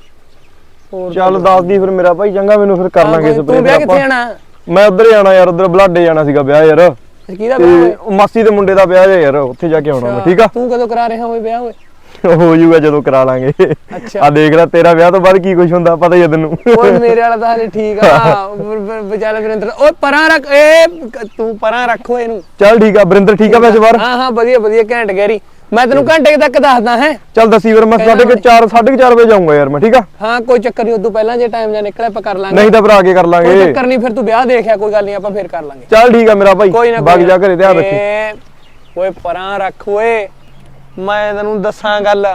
[SPEAKER 6] ਹੋਰ
[SPEAKER 7] ਚੱਲ ਦੱਸ ਦੀ ਫਿਰ ਮੇਰਾ ਭਾਈ ਚੰਗਾ ਮੈਨੂੰ ਫਿਰ ਕਰ ਲਾਂਗੇ
[SPEAKER 6] ਤੂੰ
[SPEAKER 7] ਸਪਰੇਅ
[SPEAKER 6] ਵਿਆਹ ਕਿੱਥੇ ਜਾਣਾ
[SPEAKER 7] ਮੈਂ ਉਧਰ ਜਾਣਾ ਯਾਰ ਉਧਰ ਬਲਾਡੇ ਜਾਣਾ ਸੀਗਾ ਵਿਆਹ ਯਾਰ
[SPEAKER 6] ਕਿਹਦਾ
[SPEAKER 7] ਤੇ
[SPEAKER 6] ਵਿਆਹ ਹੋਇਆ
[SPEAKER 7] ਉਹ ਮਾਸੀ ਦੇ ਮੁੰਡੇ ਦਾ ਵਿਆਹ ਹੈ ਯਾਰ ਉੱਥੇ ਜਾ ਕੇ ਆਉਣਾ ਮੈਂ ਠੀਕ ਆ
[SPEAKER 6] ਤੂੰ ਕਦੋਂ ਕਰਾ ਰਿਹਾ ਹੋਏ ਵਿਆਹ ਹੋਏ
[SPEAKER 7] ਹੋ ਜਾਊਗਾ ਜਦੋਂ ਕਰਾ ਲਾਂਗੇ
[SPEAKER 6] ਅੱਛਾ।
[SPEAKER 7] ਆ ਦੇਖ ਲੈ ਤੇਰਾ ਵਿਆਹ ਤੋਂ ਬਾਅਦ ਕੀ ਕੁਝ ਹੁੰਦਾ ਪਤਾ ਹੀ ਆ ਤੈਨੂੰ
[SPEAKER 6] ਓਏ ਮੇਰੇ ਵਾਲਾ ਤਾਂ ਹਲੇ ਠੀਕ ਆ ਵਿਚਾਰਾ ਵਰਿੰਦਰ ਓਏ ਪਰਾਂ ਰੱਖ ਏ ਤੂੰ ਪਰਾਂ ਰੱਖੋ ਇਹਨੂੰ
[SPEAKER 7] ਚੱਲ ਠੀਕ ਆ ਬਰਿੰਦਰ ਠੀਕ ਆ ਵੈਸੇ ਬਾਹਰ
[SPEAKER 6] ਹਾਂ ਹਾਂ ਵਧੀਆ ਵਧੀਆ ਘੈਂਟ ਗੈਰੀ ਮੈਂ ਤੈਨੂੰ ਘੰਟੇ ਕੁ ਤੱਕ ਦੱਸਦਾ ਹੈ
[SPEAKER 7] ਚੱਲ ਦੱਸੀ ਫਿਰ ਮੈਂ ਸਾਢੇ ਕੁ ਚਾਰ ਸਾਢੇ ਕੁ ਚਾਰ ਵਜੇ ਜਾਊਂਗਾ ਯਾਰ ਮੈਂ ਠੀਕ ਆ
[SPEAKER 6] ਹਾਂ ਕੋਈ ਚੱਕਰ ਨਹੀਂ ਉਦੋਂ ਪਹਿਲਾਂ ਜੇ ਟਾਈਮ ਜਾਂ ਨਿਕਲਿਆ ਆਪਾਂ ਕਰ ਲਾਂਗੇ
[SPEAKER 7] ਨਹੀਂ ਤਾਂ ਫਿਰ ਆ ਕੇ ਕਰ
[SPEAKER 6] ਕੋਈ
[SPEAKER 7] ਲਾਂਗੇ
[SPEAKER 6] ਚੱਕਰ ਨਹੀਂ ਫਿਰ ਤੂੰ ਵਿਆਹ ਦੇਖਿਆ ਕੋਈ ਗੱਲ ਨਹੀਂ ਆਪਾਂ ਫੇਰ ਕਰ ਲਾਂਗੇ
[SPEAKER 7] ਚੱਲ ਠੀਕ ਆ ਮੇਰਾ ਭਾਈ
[SPEAKER 6] ਕੋਈ ਨਾ
[SPEAKER 7] ਬਾਕੀ ਜਾ ਘਰੇ ਧਿਆਨ ਰੱਖੀ
[SPEAKER 6] ਏ, ਓਏ ਪਰਾਂ ਰੱਖ ਓਏ ਮੈਂ ਤੈਨੂੰ ਦੱਸਾਂ ਗੱਲ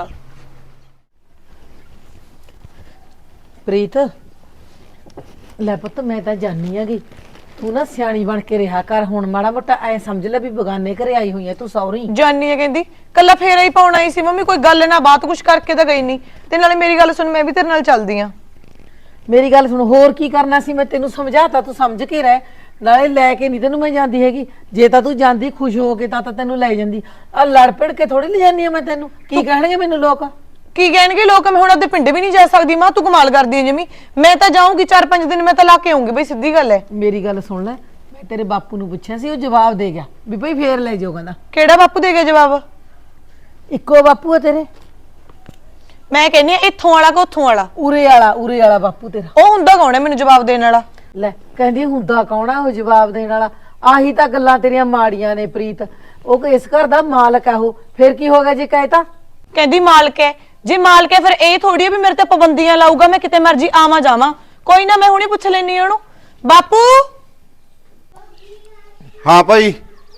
[SPEAKER 1] ਪ੍ਰੀਤ ਲੈ ਪੁੱਤ ਮੈਂ ਤਾਂ ਜਾਣੀ ਹੈਗੀ ਤੂੰ ਨਾ ਸਿਆਣੀ ਬਣ ਕੇ ਰਿਹਾ ਕਰ ਹੁਣ ਮਾੜਾ ਮੋਟਾ ਐ ਸਮਝ ਲੈ ਵੀ ਬਗਾਨੇ ਘਰੇ ਆਈ ਹੋਈ ਐ ਤੂੰ ਸੌਰੀ
[SPEAKER 2] ਜਾਨੀ ਹੈ ਕਹਿੰਦੀ ਕੱਲਾ ਫੇਰਾ ਹੀ ਪਾਉਣ ਆਈ ਸੀ ਮੰਮੀ ਕੋਈ ਗੱਲ ਨਾ ਬਾਤ ਕੁਛ ਕਰਕੇ ਤਾਂ ਗਈ ਨਹੀਂ ਤੇ ਨਾਲੇ ਮੇਰੀ ਗੱਲ ਸੁਣ ਮੈਂ ਵੀ ਤੇਰੇ ਨਾਲ ਚੱਲਦੀ ਆ
[SPEAKER 1] ਮੇਰੀ ਗੱਲ ਸੁਣ ਹੋਰ ਕੀ ਕਰਨਾ ਸੀ ਮੈਂ ਤੈਨੂੰ ਸਮਝਾਤਾ ਤੂੰ ਸਮਝ ਕੇ ਰਹਿ ਨਾਲੇ ਲੈ ਕੇ ਨਹੀਂ ਤੈਨੂੰ ਮੈਂ ਜਾਂਦੀ ਹੈਗੀ ਜੇ ਤਾਂ ਤੂੰ ਜਾਂਦੀ ਖੁਸ਼ ਹੋ ਕੇ ਤਾਂ ਤਾਂ ਤੈਨੂੰ ਲੈ ਜਾਂਦੀ ਆ ਲੜ ਪੜ ਕੇ ਥੋੜੀ ਲੈ ਜਾਂਦੀ ਆ ਮੈਂ ਤੈਨੂੰ ਕੀ ਕਹਿਣਗੇ ਮੈਨੂੰ ਲੋਕ
[SPEAKER 2] ਕੀ ਕਹਿਣਗੇ ਲੋਕ ਮੈਂ ਹੁਣ ਉਹਦੇ ਪਿੰਡ ਵੀ ਨਹੀਂ ਜਾ ਸਕਦੀ ਮਾਂ ਤੂੰ ਕਮਾਲ ਕਰਦੀ ਹੈ ਜਮੀ ਮੈਂ ਤਾਂ ਜਾਊਂਗੀ ਚਾਰ ਪੰਜ ਦਿਨ ਮੈਂ ਤਾਂ ਲਾ ਕੇ ਆਉਂਗੀ ਬਈ ਸਿੱਧੀ ਗੱਲ ਹੈ
[SPEAKER 1] ਮੇਰੀ ਗੱਲ ਸੁਣ ਲੈ ਮੈਂ ਤੇਰੇ ਬਾਪੂ ਨੂੰ ਪੁੱਛਿਆ ਸੀ ਉਹ ਜਵਾਬ ਦੇ ਗਿਆ ਵੀ ਭਈ ਫੇਰ ਲੈ ਜਾਓ ਕਹਿੰਦਾ
[SPEAKER 2] ਕਿਹੜਾ ਬਾਪੂ ਦੇ ਗਿਆ ਜਵਾਬ
[SPEAKER 1] ਇੱਕੋ ਬਾਪੂ ਹੈ ਤੇਰੇ
[SPEAKER 2] ਮੈਂ ਕਹਿੰਨੀ ਆ ਇੱਥੋਂ ਵਾਲਾ ਕਿ ਉੱਥੋਂ ਵਾਲਾ
[SPEAKER 1] ਉਰੇ ਵਾਲਾ ਉਰੇ ਵਾਲਾ ਬਾਪੂ ਤੇਰਾ
[SPEAKER 2] ਉਹ ਹੁੰਦਾ ਕੌਣ ਹੈ ਮੈਨੂੰ ਜਵਾਬ ਦੇਣ ਵਾਲਾ
[SPEAKER 1] ਲੈ ਕਹਿੰਦੀ ਹੁੰਦਾ ਕੌਣ ਆ ਉਹ ਜਵਾਬ ਦੇਣ ਵਾਲਾ ਆਹੀ ਤਾਂ ਗੱਲਾਂ ਤੇਰੀਆਂ ਮਾੜੀਆਂ ਨੇ ਪ੍ਰੀਤ ਉਹ ਇਸ ਘਰ ਦਾ ਮਾਲਕ ਆ ਉਹ ਫਿਰ ਕੀ ਹੋ ਗਿਆ ਜੇ ਕਹਿਤਾ
[SPEAKER 2] ਕਹਿੰਦੀ ਮਾਲਕ ਹੈ ਜੇ ਮਾਲਕ ਹੈ ਫਿਰ ਇਹ ਥੋੜੀ ਹੈ ਵੀ ਮੇਰੇ ਤੇ ਪਾਬੰਦੀਆਂ ਲਾਊਗਾ ਮੈਂ ਕਿਤੇ ਮਰਜੀ ਆਵਾਂ ਜਾਵਾਂ ਕੋਈ ਨਾ ਮੈਂ ਹੁਣੇ ਪੁੱਛ ਲੈਣੀ ਉਹਨੂੰ ਬਾਪੂ
[SPEAKER 5] ਹਾਂ ਭਾਈ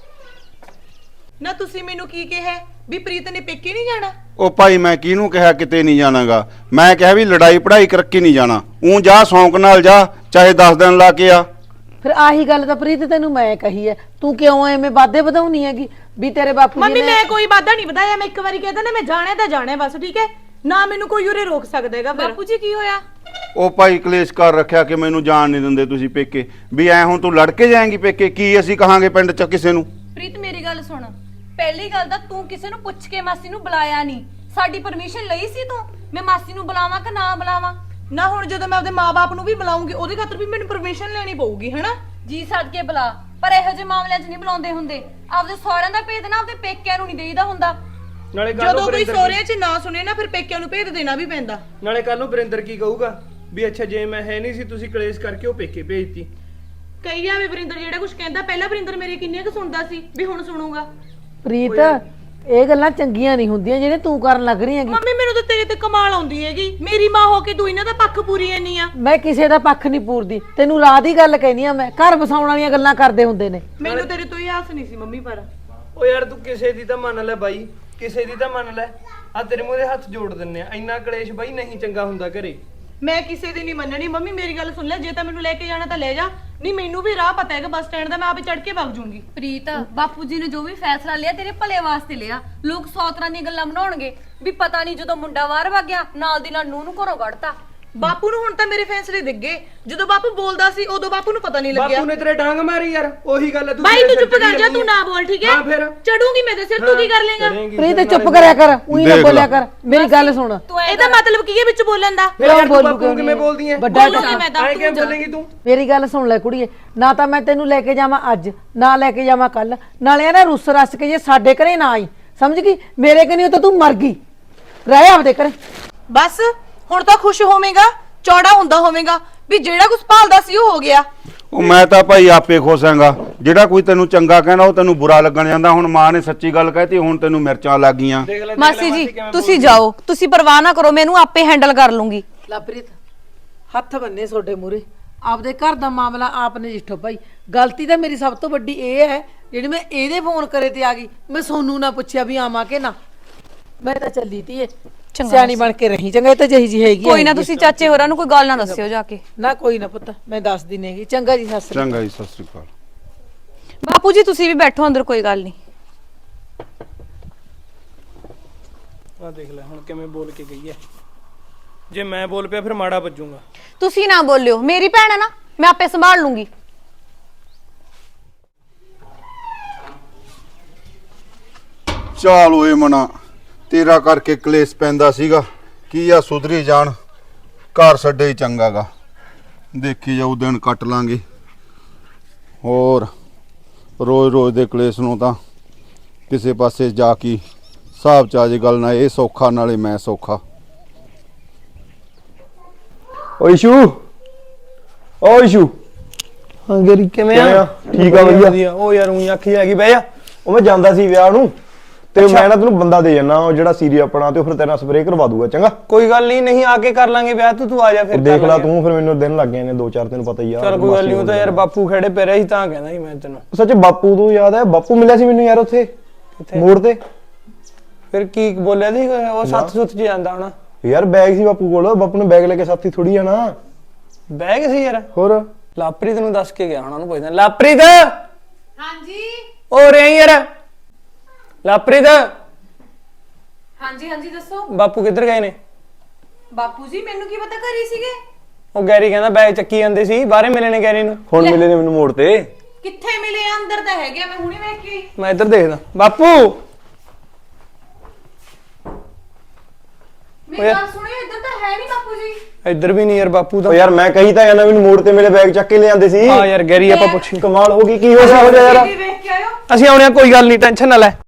[SPEAKER 2] ਨਾ ਤੁਸੀਂ ਮੈਨੂੰ ਕੀ ਕਿਹਾ ਵੀ ਪ੍ਰੀਤ ਨੇ ਪੇਕੇ ਨਹੀਂ ਜਾਣਾ
[SPEAKER 5] ਉਹ ਭਾਈ ਮੈਂ ਕਿਹਨੂੰ ਕਿਹਾ ਕਿਤੇ ਨਹੀਂ ਜਾਣਾਗਾ ਮੈਂ ਕਿਹਾ ਵੀ ਲੜਾਈ ਪੜਾਈ ਕਰਕੇ ਨਹੀਂ ਜਾਣਾ ਊਂ ਜਾ ਸ਼ੌਂਕ ਨਾਲ ਜਾ ਚਾਹੇ ਦਸ ਦਿਨ ਲਾ ਕੇ ਆ
[SPEAKER 1] ਫਿਰ ਆਹੀ ਗੱਲ ਤਾਂ ਪ੍ਰੀਤ ਤੈਨੂੰ ਮੈਂ ਕਹੀ ਐ ਤੂੰ ਕਿਉਂ ਐਵੇਂ ਵਾਧੇ ਵਧਾਉਣੀ ਹੈਗੀ ਵੀ ਤੇਰੇ ਬਾਪੂ ਜੀ
[SPEAKER 2] ਮੰਮੀ
[SPEAKER 1] ਨੇ
[SPEAKER 2] ਮੈਂ ਕੋਈ ਵਾਦਾ ਨਹੀਂ ਵਧਾਇਆ ਮੈਂ ਇੱਕ ਵਾਰੀ ਕਹਿਦਾ ਨਾ ਮੈਂ ਜਾਣਾ ਤਾਂ ਜਾਣਾ ਬਸ ਠੀਕ ਹੈ ਨਾ ਮੈਨੂੰ ਕੋਈ ਉਰੇ ਰੋਕ ਸਕਦਾ ਹੈਗਾ ਬਾਪੂ ਜੀ ਕੀ ਹੋਇਆ
[SPEAKER 5] ਉਹ ਭਾਈ ਕਲੇਸ਼ ਕਰ ਰੱਖਿਆ ਕਿ ਮੈਨੂੰ ਜਾਣ ਨਹੀਂ ਦਿੰਦੇ ਤੁਸੀਂ ਪੇਕੇ ਵੀ ਐ ਹੁਣ ਤੂੰ ਲੜ ਕੇ ਜਾਏਂਗੀ ਪੇਕੇ ਕੀ ਅਸੀਂ ਕਹਾਂਗੇ ਪਿੰਡ ਚ ਕਿਸੇ ਨੂੰ
[SPEAKER 3] ਪ੍ਰੀਤ ਮੇਰੀ ਗੱਲ ਸੁਣ ਪਹਿਲੀ ਗੱਲ ਤਾਂ ਤੂੰ ਕਿਸੇ ਨੂੰ ਪੁੱਛ ਕੇ ਮਾਸੀ ਨੂੰ ਬੁਲਾਇਆ ਨਹੀਂ ਸਾਡੀ ਪਰਮਿਸ਼ਨ ਲਈ ਸੀ ਤੂੰ ਮੈਂ ਮਾਸੀ ਨੂੰ ਬੁਲਾਵਾਂ ਕਿ ਨਾ ਬੁਲਾਵਾਂ
[SPEAKER 2] ਨਾ ਹੁਣ ਜਦੋਂ ਮੈਂ ਆਪਦੇ ਮਾਪੇ ਨੂੰ ਵੀ ਬੁਲਾਉਂਗੀ ਉਹਦੇ ਖਾਤਰ ਵੀ ਮੈਨੂੰ ਪਰਮਿਸ਼ਨ ਲੈਣੀ ਪਊਗੀ ਹੈਨਾ
[SPEAKER 3] ਜੀ ਸੱਦ ਕੇ ਬੁਲਾ ਪਰ ਇਹੋ ਜਿਹੇ ਮਾਮਲਿਆਂ 'ਚ ਨਹੀਂ ਬੁਲਾਉਂਦੇ ਹੁੰਦੇ ਆਪਦੇ ਸਹੁਰਿਆਂ ਦਾ ਭੇਦ ਨਾ ਆਪਦੇ ਪੇਕਿਆਂ ਨੂੰ ਨਹੀਂ ਦੇਈਦਾ ਹੁੰਦਾ
[SPEAKER 6] ਨਾਲੇ ਕੱਲ
[SPEAKER 2] ਜਦੋਂ ਕੋਈ ਸਹੁਰਿਆਂ 'ਚ ਨਾ ਸੁਣੇ ਨਾ ਫਿਰ ਪੇਕਿਆਂ ਨੂੰ ਭੇਦ ਦੇਣਾ ਵੀ ਪੈਂਦਾ
[SPEAKER 6] ਨਾਲੇ ਕੱਲ ਨੂੰ ਵਰਿੰਦਰ ਕੀ ਕਹੂਗਾ ਵੀ ਅੱਛਾ ਜੇ ਮੈਂ ਹੈ ਨਹੀਂ ਸੀ ਤੁਸੀਂ ਕਲੇਸ਼ ਕਰਕੇ ਉਹ ਪੇਕੇ ਭੇਜਤੀ
[SPEAKER 2] ਕਈ ਆ ਵੀ ਵਰਿੰਦਰ ਜਿਹੜਾ ਕੁਝ ਕਹਿੰਦਾ ਪਹਿਲਾਂ ਵਰਿੰਦਰ ਮੇਰੇ ਕਿੰਨੀਆਂ ਕੁ ਸੁਣਦਾ ਸੀ ਵੀ ਹੁਣ ਸੁਣੂਗਾ
[SPEAKER 1] ਪ੍ਰੀਤ ਇਹ ਗੱਲਾਂ ਚੰਗੀਆਂ ਨਹੀਂ ਹੁੰਦੀਆਂ ਜਿਹੜੇ ਤੂੰ ਕਰਨ ਲੱਗ ਰਹੀ ਹੈਗੀ
[SPEAKER 2] ਮੰਮੀ ਮੈਨੂੰ ਤਾਂ ਤੇਰੇ ਤੇ ਕਮਾਲ ਆਉਂਦੀ ਹੈਗੀ ਮੇਰੀ ਮਾਂ ਹੋ ਕੇ ਤੂੰ ਇਹਨਾਂ ਦਾ ਪੱਖ ਪੂਰੀ ਐਨੀ ਆ
[SPEAKER 1] ਮੈਂ ਕਿਸੇ ਦਾ ਪੱਖ ਨਹੀਂ ਪੂਰਦੀ ਤੈਨੂੰ ਰਾਹ ਦੀ ਗੱਲ ਕਹਿਨੀ ਆ ਮੈਂ ਘਰ ਵਸਾਉਣ ਵਾਲੀਆਂ ਗੱਲਾਂ ਕਰਦੇ ਹੁੰਦੇ ਨੇ
[SPEAKER 2] ਮੈਨੂੰ ਤੇਰੇ ਤੋਂ ਹੀ ਆਸ ਨਹੀਂ ਸੀ ਮੰਮੀ ਪਰ
[SPEAKER 6] ਓ ਯਾਰ ਤੂੰ ਕਿਸੇ ਦੀ ਤਾਂ ਮੰਨ ਲੈ ਬਾਈ, ਕਿਸੇ ਦੀ ਤਾਂ ਮੰਨ ਲੈ। ਆ ਤੇਰੇ ਮੂਹਰੇ ਹੱਥ ਜੋੜ ਦਿੰਨੇ ਆ, ਇੰਨਾ ਕਲੇਸ਼ ਬਾਈ ਨਹੀਂ ਚੰਗਾ ਹੁੰਦਾ ਘਰੇ।
[SPEAKER 2] ਮੈਂ ਕਿਸੇ ਦੀ ਨਹੀਂ ਮੰਨਣੀ ਮੰਮੀ, ਮੇਰੀ ਗੱਲ ਸੁਣ ਲੈ, ਜੇ ਤਾਂ ਮੈਨੂੰ ਲੈ ਕੇ ਜਾਣਾ ਤਾਂ ਲੈ ਜਾ, ਨਹੀਂ ਮੈਨੂੰ ਵੀ ਰਾਹ ਪਤਾ ਹੈਗਾ ਬੱਸ ਸਟੈਂਡ ਦਾ, ਮੈਂ ਆਪੇ ਚੜ ਕੇ ਵਗ ਜੂੰਗੀ।
[SPEAKER 3] ਪ੍ਰੀਤ, ਬਾਪੂ ਜੀ ਨੇ ਜੋ ਵੀ ਫੈਸਲਾ ਲਿਆ ਤੇਰੇ ਭਲੇ ਵਾਸਤੇ ਲਿਆ। ਲੋਕ ਸੌ ਤਰ੍ਹਾਂ ਦੀਆਂ ਗੱਲਾਂ ਬਣਾਉਣਗੇ ਵੀ ਪਤਾ ਨਹੀਂ ਜਦੋਂ ਮੁੰਡਾ ਬਾਹਰ ਵਗ ਗਿਆ ਨਾਲ ਦੀ ਨਾਲ ਨੂੰਹ ਨੂੰ ਘਰੋਂ ਕੱਢਤਾ।
[SPEAKER 2] ਬਾਪੂ ਨੂੰ ਹੁਣ ਤਾਂ ਮੇਰੇ ਫੈਸਲੇ ਦਿਖ ਗਏ, ਜਦੋਂ ਬਾਪੂ ਬੋਲਦਾ ਸੀ ਉਦੋਂ ਬਾਪੂ ਨੂੰ ਪਤਾ ਨਹੀਂ ਲੱਗਿਆ।
[SPEAKER 6] ਬਾਪੂ ਨੇ ਤੇਰੇ ਡਾਂਗ ਮਾਰੀ ਯਾਰ, ਉਹੀ ਗੱਲ ਹੈ। ਤੂੰ
[SPEAKER 2] ਬਾਈ ਤੂੰ ਚੁੱਪ ਕਰ ਜਾ, ਤੂੰ ਨਾ ਬੋਲ ਠੀਕ ਹੈ?
[SPEAKER 6] ਹਾਂ ਫਿਰ
[SPEAKER 2] ਚੜੂਗੀ ਮੈਂ ਤੇ ਸਿਰ, ਤੂੰ ਕੀ ਕਰ ਲੇਗਾ?
[SPEAKER 1] ਪ੍ਰੀਤ ਚੁੱਪ ਕਰਿਆ ਕਰ, ਉਹੀ ਨਾ
[SPEAKER 5] ਦੇਖ ਲਾ।
[SPEAKER 1] ਬੋਲਿਆ ਕਰ, ਮੇਰੀ ਗੱਲ ਸੁਣ।
[SPEAKER 2] ਇਹਦਾ ਮਤਲਬ ਕੀ ਹੈ ਵਿੱਚ ਬੋਲਣ ਦਾ?
[SPEAKER 6] ਫਿਰ ਯਾਰ ਤੂੰ
[SPEAKER 1] ਬੋਲੂ
[SPEAKER 6] ਬਾਪੂ
[SPEAKER 1] ਕਿਉਂ
[SPEAKER 6] ਨੂੰ ਕਿਵੇਂ ਬੋਲਦੀ ਐ?
[SPEAKER 1] ਵੱਡਾ
[SPEAKER 2] ਬੋਲੂਗੀ ਮੈਂ ਤਾਂ,
[SPEAKER 6] ਐਂ
[SPEAKER 2] ਤੂੰ
[SPEAKER 6] ਕਿਵੇਂ
[SPEAKER 2] ਜਾ।
[SPEAKER 6] ਬੋਲੇਂਗੀ ਤੂੰ?
[SPEAKER 1] ਮੇਰੀ ਗੱਲ ਸੁਣ ਲੈ ਕੁੜੀਏ, ਨਾ ਤਾਂ ਮੈਂ ਤੈਨੂੰ ਲੈ ਕੇ ਜਾਵਾਂ ਅੱਜ, ਨਾ ਲੈ ਕੇ ਜਾਵਾਂ ਕੱਲ, ਨਾਲੇ ਨਾ ਰੁੱਸ ਰਸ ਕੇ ਜੇ ਸਾਡੇ ਘਰੇ ਨਾ ਆਈ, ਸਮਝ ਗਈ? ਮੇਰੇ ਕਨੀ ਤਾਂ ਤੂੰ ਮਰ ਗਈ, ਰਹਿ ਆਪਦੇ ਘਰੇ।
[SPEAKER 2] ਬਸ ਹੁਣ ਤਾਂ ਖੁਸ਼ ਹੋਵੇਂਗਾ, ਚੌੜਾ ਹੁੰਦਾ ਹੋਵੇਂਗਾ ਵੀ ਜਿਹੜਾ ਕੁਝ ਭਾਲਦਾ ਸੀ ਉਹ ਹੋ ਗਿਆ।
[SPEAKER 5] ਉਹ ਮੈਂ ਤਾਂ ਭਾਈ ਆਪੇ ਖੁਸ਼ ਹਾਂਗਾ। ਜਿਹੜਾ ਕੋਈ ਤੈਨੂੰ ਚੰਗਾ ਕਹਿੰਦਾ ਉਹ ਤੈਨੂੰ ਬੁਰਾ ਲੱਗਣ ਜਾਂਦਾ। ਹੁਣ ਮਾਂ ਨੇ ਸੱਚੀ ਗੱਲ ਕਹਿਤੀ, ਹੁਣ ਤੈਨੂੰ ਮਿਰਚਾਂ ਲੱਗ ਗਈਆਂ।
[SPEAKER 6] ਦੇਖ ਲੈ, ਦੇਖ ਲੈ
[SPEAKER 3] ਮਾਸੀ ਜੀ
[SPEAKER 6] ਕਿਵੇਂ
[SPEAKER 3] ਤੁਸੀਂ ਜਾਓ, ਤੁਸੀਂ ਪਰਵਾਹ ਨਾ ਕਰੋ, ਮੈਨੂੰ ਆਪੇ ਹੈਂਡਲ ਕਰ ਲੂੰਗੀ।
[SPEAKER 1] ਲਵਪ੍ਰੀਤ ਹੱਥ ਬੰਨੇ ਤੁਹਾਡੇ ਮੂਰੇ, ਆਪਦੇ ਘਰ ਦਾ ਮਾਮਲਾ ਆਪ ਨਜਿੱਠੋ ਭਾਈ। ਗਲਤੀ ਤਾਂ ਮੇਰੀ ਸਭ ਤੋਂ ਵੱਡੀ ਇਹ ਹੈ ਜਿਹੜੀ ਮੈਂ ਇਹਦੇ ਫੋਨ ਕਰੇ ਤੇ ਆ ਗਈ, ਮੈਂ ਸੋਨੂੰ ਨਾ ਪੁੱਛਿਆ ਵੀ ਆਵਾਂ ਕਿ ਨਾ। ਮੈਂ ਤਾਂ ਚੱਲੀ ਤੀ, ਸਿਆਣੀ ਬਣ ਕੇ ਰਹੀ, ਚੰਗਾ? ਇਹ ਤਾਂ ਜਿਹੀ ਜੀ ਹੈਗੀ।
[SPEAKER 3] ਕੋਈ ਨਾ, ਤੁਸੀਂ ਚਾਚੇ ਹੋਰਾਂ ਨੂੰ ਕੋਈ ਗੱਲ ਨਾ ਦੱਸਿਓ ਜਾ ਕੇ।
[SPEAKER 1] ਨਾ ਕੋਈ ਨਾ ਪੁੱਤ, ਮੈਂ ਦੱਸਦੀ ਨਹੀਂਗੀ। ਚੰਗਾ ਜੀ, ਸਤਿ ਸ੍ਰੀ ਅਕਾਲ।
[SPEAKER 5] ਚੰਗਾ ਜੀ, ਸਤਿ ਸ੍ਰੀ ਅਕਾਲ।
[SPEAKER 3] ਬਾਪੂ ਜੀ ਤੁਸੀਂ ਵੀ ਬੈਠੋ ਅੰਦਰ, ਕੋਈ ਗੱਲ ਨਹੀਂ।
[SPEAKER 6] ਆ ਦੇਖ ਲੈ ਹੁਣ ਕਿਵੇਂ ਬੋਲ ਕੇ ਗਈ ਐ। ਜੇ ਮੈਂ ਬੋਲ ਪਿਆ ਫਿਰ ਮਾੜਾ ਵੱਜੂਗਾ।
[SPEAKER 3] ਤੁਸੀਂ ਨਾ ਬੋਲਿਓ, ਮੇਰੀ ਭੈਣ ਹੈ ਨਾ, ਮੈਂ ਆਪੇ ਸੰਭਾਲ ਲੂੰਗੀ।
[SPEAKER 5] ਚਾਲ ਓਏ ਮਨਾ, ਤੇਰਾ ਕਰਕੇ ਕਲੇਸ਼ ਪੈਂਦਾ ਸੀਗਾ, ਕੀ ਆ ਸੁਧਰੀ ਜਾਣ, ਘਰ ਛੱਡੇ ਹੀ ਚੰਗਾਗਾ। ਦੇਖੀ ਜਾਊ, ਦਿਨ ਕੱਟ ਲਾਂਗੇ। ਹੋਰ ਰੋਜ਼ ਰੋਜ਼ ਦੇ ਕਲੇਸ਼ ਨੂੰ ਤਾਂ ਕਿਸੇ ਪਾਸੇ ਜਾ ਕੇ ਹਿਸਾਬ ਚ ਆ ਜੇ ਗੱਲ, ਨਾ ਇਹ ਸੌਖਾ ਨਾਲੇ ਮੈਂ ਸੌਖਾ।
[SPEAKER 7] ਓ ਇਸ਼ੂ, ਓ ਇਸ਼ੂ,
[SPEAKER 6] ਹਾਂ ਗਰੀ ਕਿਵੇਂ
[SPEAKER 7] ਕਿਵੇਂ ਆ? ਠੀਕ ਆ, ਵਧੀਆ।
[SPEAKER 6] ਉਹ ਯਾਰ ਉਹੀ ਅੱਖੀ ਹੈਗੀ ਬਹਿ ਜਾ।
[SPEAKER 7] ਉਹ ਮੈਂ ਜਾਂਦਾ ਸੀ ਵਿਆਹ ਨੂੰ, ਤੇ ਮੈਂ ਨਾ ਤੈਨੂੰ ਬੰਦਾ ਦੇ ਜਾਣਾ, ਉਹ ਜਿਹੜਾ ਸੀਰੀ ਆਪਣਾ, ਤੇ ਉਹ ਫਿਰ ਤੇਰਾ ਸਪਰੇਅ ਕਰਵਾ ਦੂਗਾ। ਚੰਗਾ
[SPEAKER 6] ਕੋਈ ਗੱਲ ਨਹੀਂ, ਨਹੀਂ ਆ ਕੇ ਕਰ ਲਾਂਗੇ ਵਿਆਹ, ਤੂੰ ਤੂੰ ਆ ਜਾ ਫਿਰ।
[SPEAKER 7] ਉਹ ਦੇਖ ਲੈ ਤੂੰ, ਫਿਰ ਮੈਨੂੰ ਦਿਨ ਲੱਗ ਗਏ ਨੇ ਦੋ ਚਾਰ, ਤੈਨੂੰ ਪਤਾ ਹੀ ਆ।
[SPEAKER 6] ਚੱਲ ਕੋਈ ਗੱਲ ਨਹੀਂ, ਉਹ ਤਾਂ ਯਾਰ ਬਾਪੂ ਖੜੇ ਪੈ ਰਿਹਾ ਸੀ ਤਾਂ ਕਹਿੰਦਾ ਸੀ ਮੈਂ ਤੈਨੂੰ।
[SPEAKER 7] ਸੱਚ ਬਾਪੂ ਤੋਂ ਯਾਦ ਹੈ, ਬਾਪੂ ਮਿਲਿਆ ਸੀ ਮੈਨੂੰ ਯਾਰ ਉੱਥੇ ਮੋੜ ਤੇ।
[SPEAKER 6] ਫਿਰ ਕੀ ਬੋਲਿਆ ਸੀ ਉਹ? ਸੱਤ ਸੁੱਤ ਚ ਜਾਂਦਾ ਹੋਣਾ
[SPEAKER 7] ਯਾਰ। ਬੈਗ ਸੀ ਬਾਪੂ ਕੋਲ, ਬਾਪੂ ਨੇ ਬੈਗ ਲੈ ਕੇ ਸਾਥੀ ਥੋੜੀ ਜਾਣਾ।
[SPEAKER 6] ਬੈਗ ਸੀ ਯਾਰ।
[SPEAKER 7] ਹੋਰ
[SPEAKER 6] ਲਾਪ੍ਰੀਤ ਨੂੰ ਦੱਸ ਕੇ ਗਿਆ ਹੋਣਾ, ਉਹਨੂੰ ਪੁੱਛਦਾ। ਲਾਪ੍ਰੀਤ
[SPEAKER 3] ਹਾਂਜੀ
[SPEAKER 6] ਹੋ ਰਿਹਾ ਯਾਰ? ਲਾਪ੍ਰੀਤ
[SPEAKER 3] ਹਾਂਜੀ ਹਾਂਜੀ ਦੱਸੋ।
[SPEAKER 6] ਬਾਪੂ ਕਿੱਧਰ ਗਏ ਨੇ?
[SPEAKER 3] ਬਾਪੂ ਜੀ ਮੈਨੂੰ ਕੀ ਪਤਾ ਘਰੇ ਸੀਗੇ।
[SPEAKER 6] ਉਹ ਗੈਰੀ ਕਹਿੰਦਾ ਬੈਗ ਚੱਕੀ ਜਾਂਦੇ ਸੀ, ਬਾਹਰੇ ਮਿਲੇ ਨੇ ਗੈਰੀ ਨੂੰ।
[SPEAKER 7] ਹੁਣ ਮਿਲੇ ਨੇ ਮੈਨੂੰ ਮੋੜ ਤੇ।
[SPEAKER 3] ਕਿੱਥੇ ਮਿਲੇ? ਅੰਦਰ ਤਾਂ ਹੈਗੇ, ਮੈਂ ਹੁਣੇ ਵੇਖ ਕੇ ਆਈ।
[SPEAKER 6] ਮੈਂ ਇੱਧਰ ਦੇਖਦਾ। ਬਾਪੂ
[SPEAKER 3] ਮੇਰੀ ਗੱਲ ਸੁਣਿਓ, ਇੱਧਰ ਤਾਂ ਹੈ ਨਹੀਂ ਬਾਪੂ ਜੀ।
[SPEAKER 6] ਇੱਧਰ ਵੀ ਨਹੀਂ ਯਾਰ ਬਾਪੂ
[SPEAKER 7] ਉਹ
[SPEAKER 6] ਤਾਂ।
[SPEAKER 7] ਯਾਰ ਮੈਂ ਕਹੀ ਤਾਂ ਜਾਂਦਾ, ਮੈਨੂੰ ਮੋੜ ਤੇ ਮੇਰੇ ਬੈਗ ਚੱਕ ਕੇ ਲੈ ਜਾਂਦੇ ਸੀ।
[SPEAKER 6] ਹਾਂ ਯਾਰ ਗੈਰੀ ਆਪਾਂ ਪੁੱਛੀ।
[SPEAKER 7] ਕਮਾਲ ਹੋ ਗਈ, ਕੀ ਹੋ ਗਿਆ ਹੋ ਗਿਆ ਯਾਰ?
[SPEAKER 3] ਵੇਖ ਕੇ ਆਇਓ।
[SPEAKER 6] ਅਸੀਂ ਆਉਣੇ ਆ, ਕੋਈ ਗੱਲ ਨਹੀਂ, ਟੈਨਸ਼ਨ ਨਾ ਲੈ।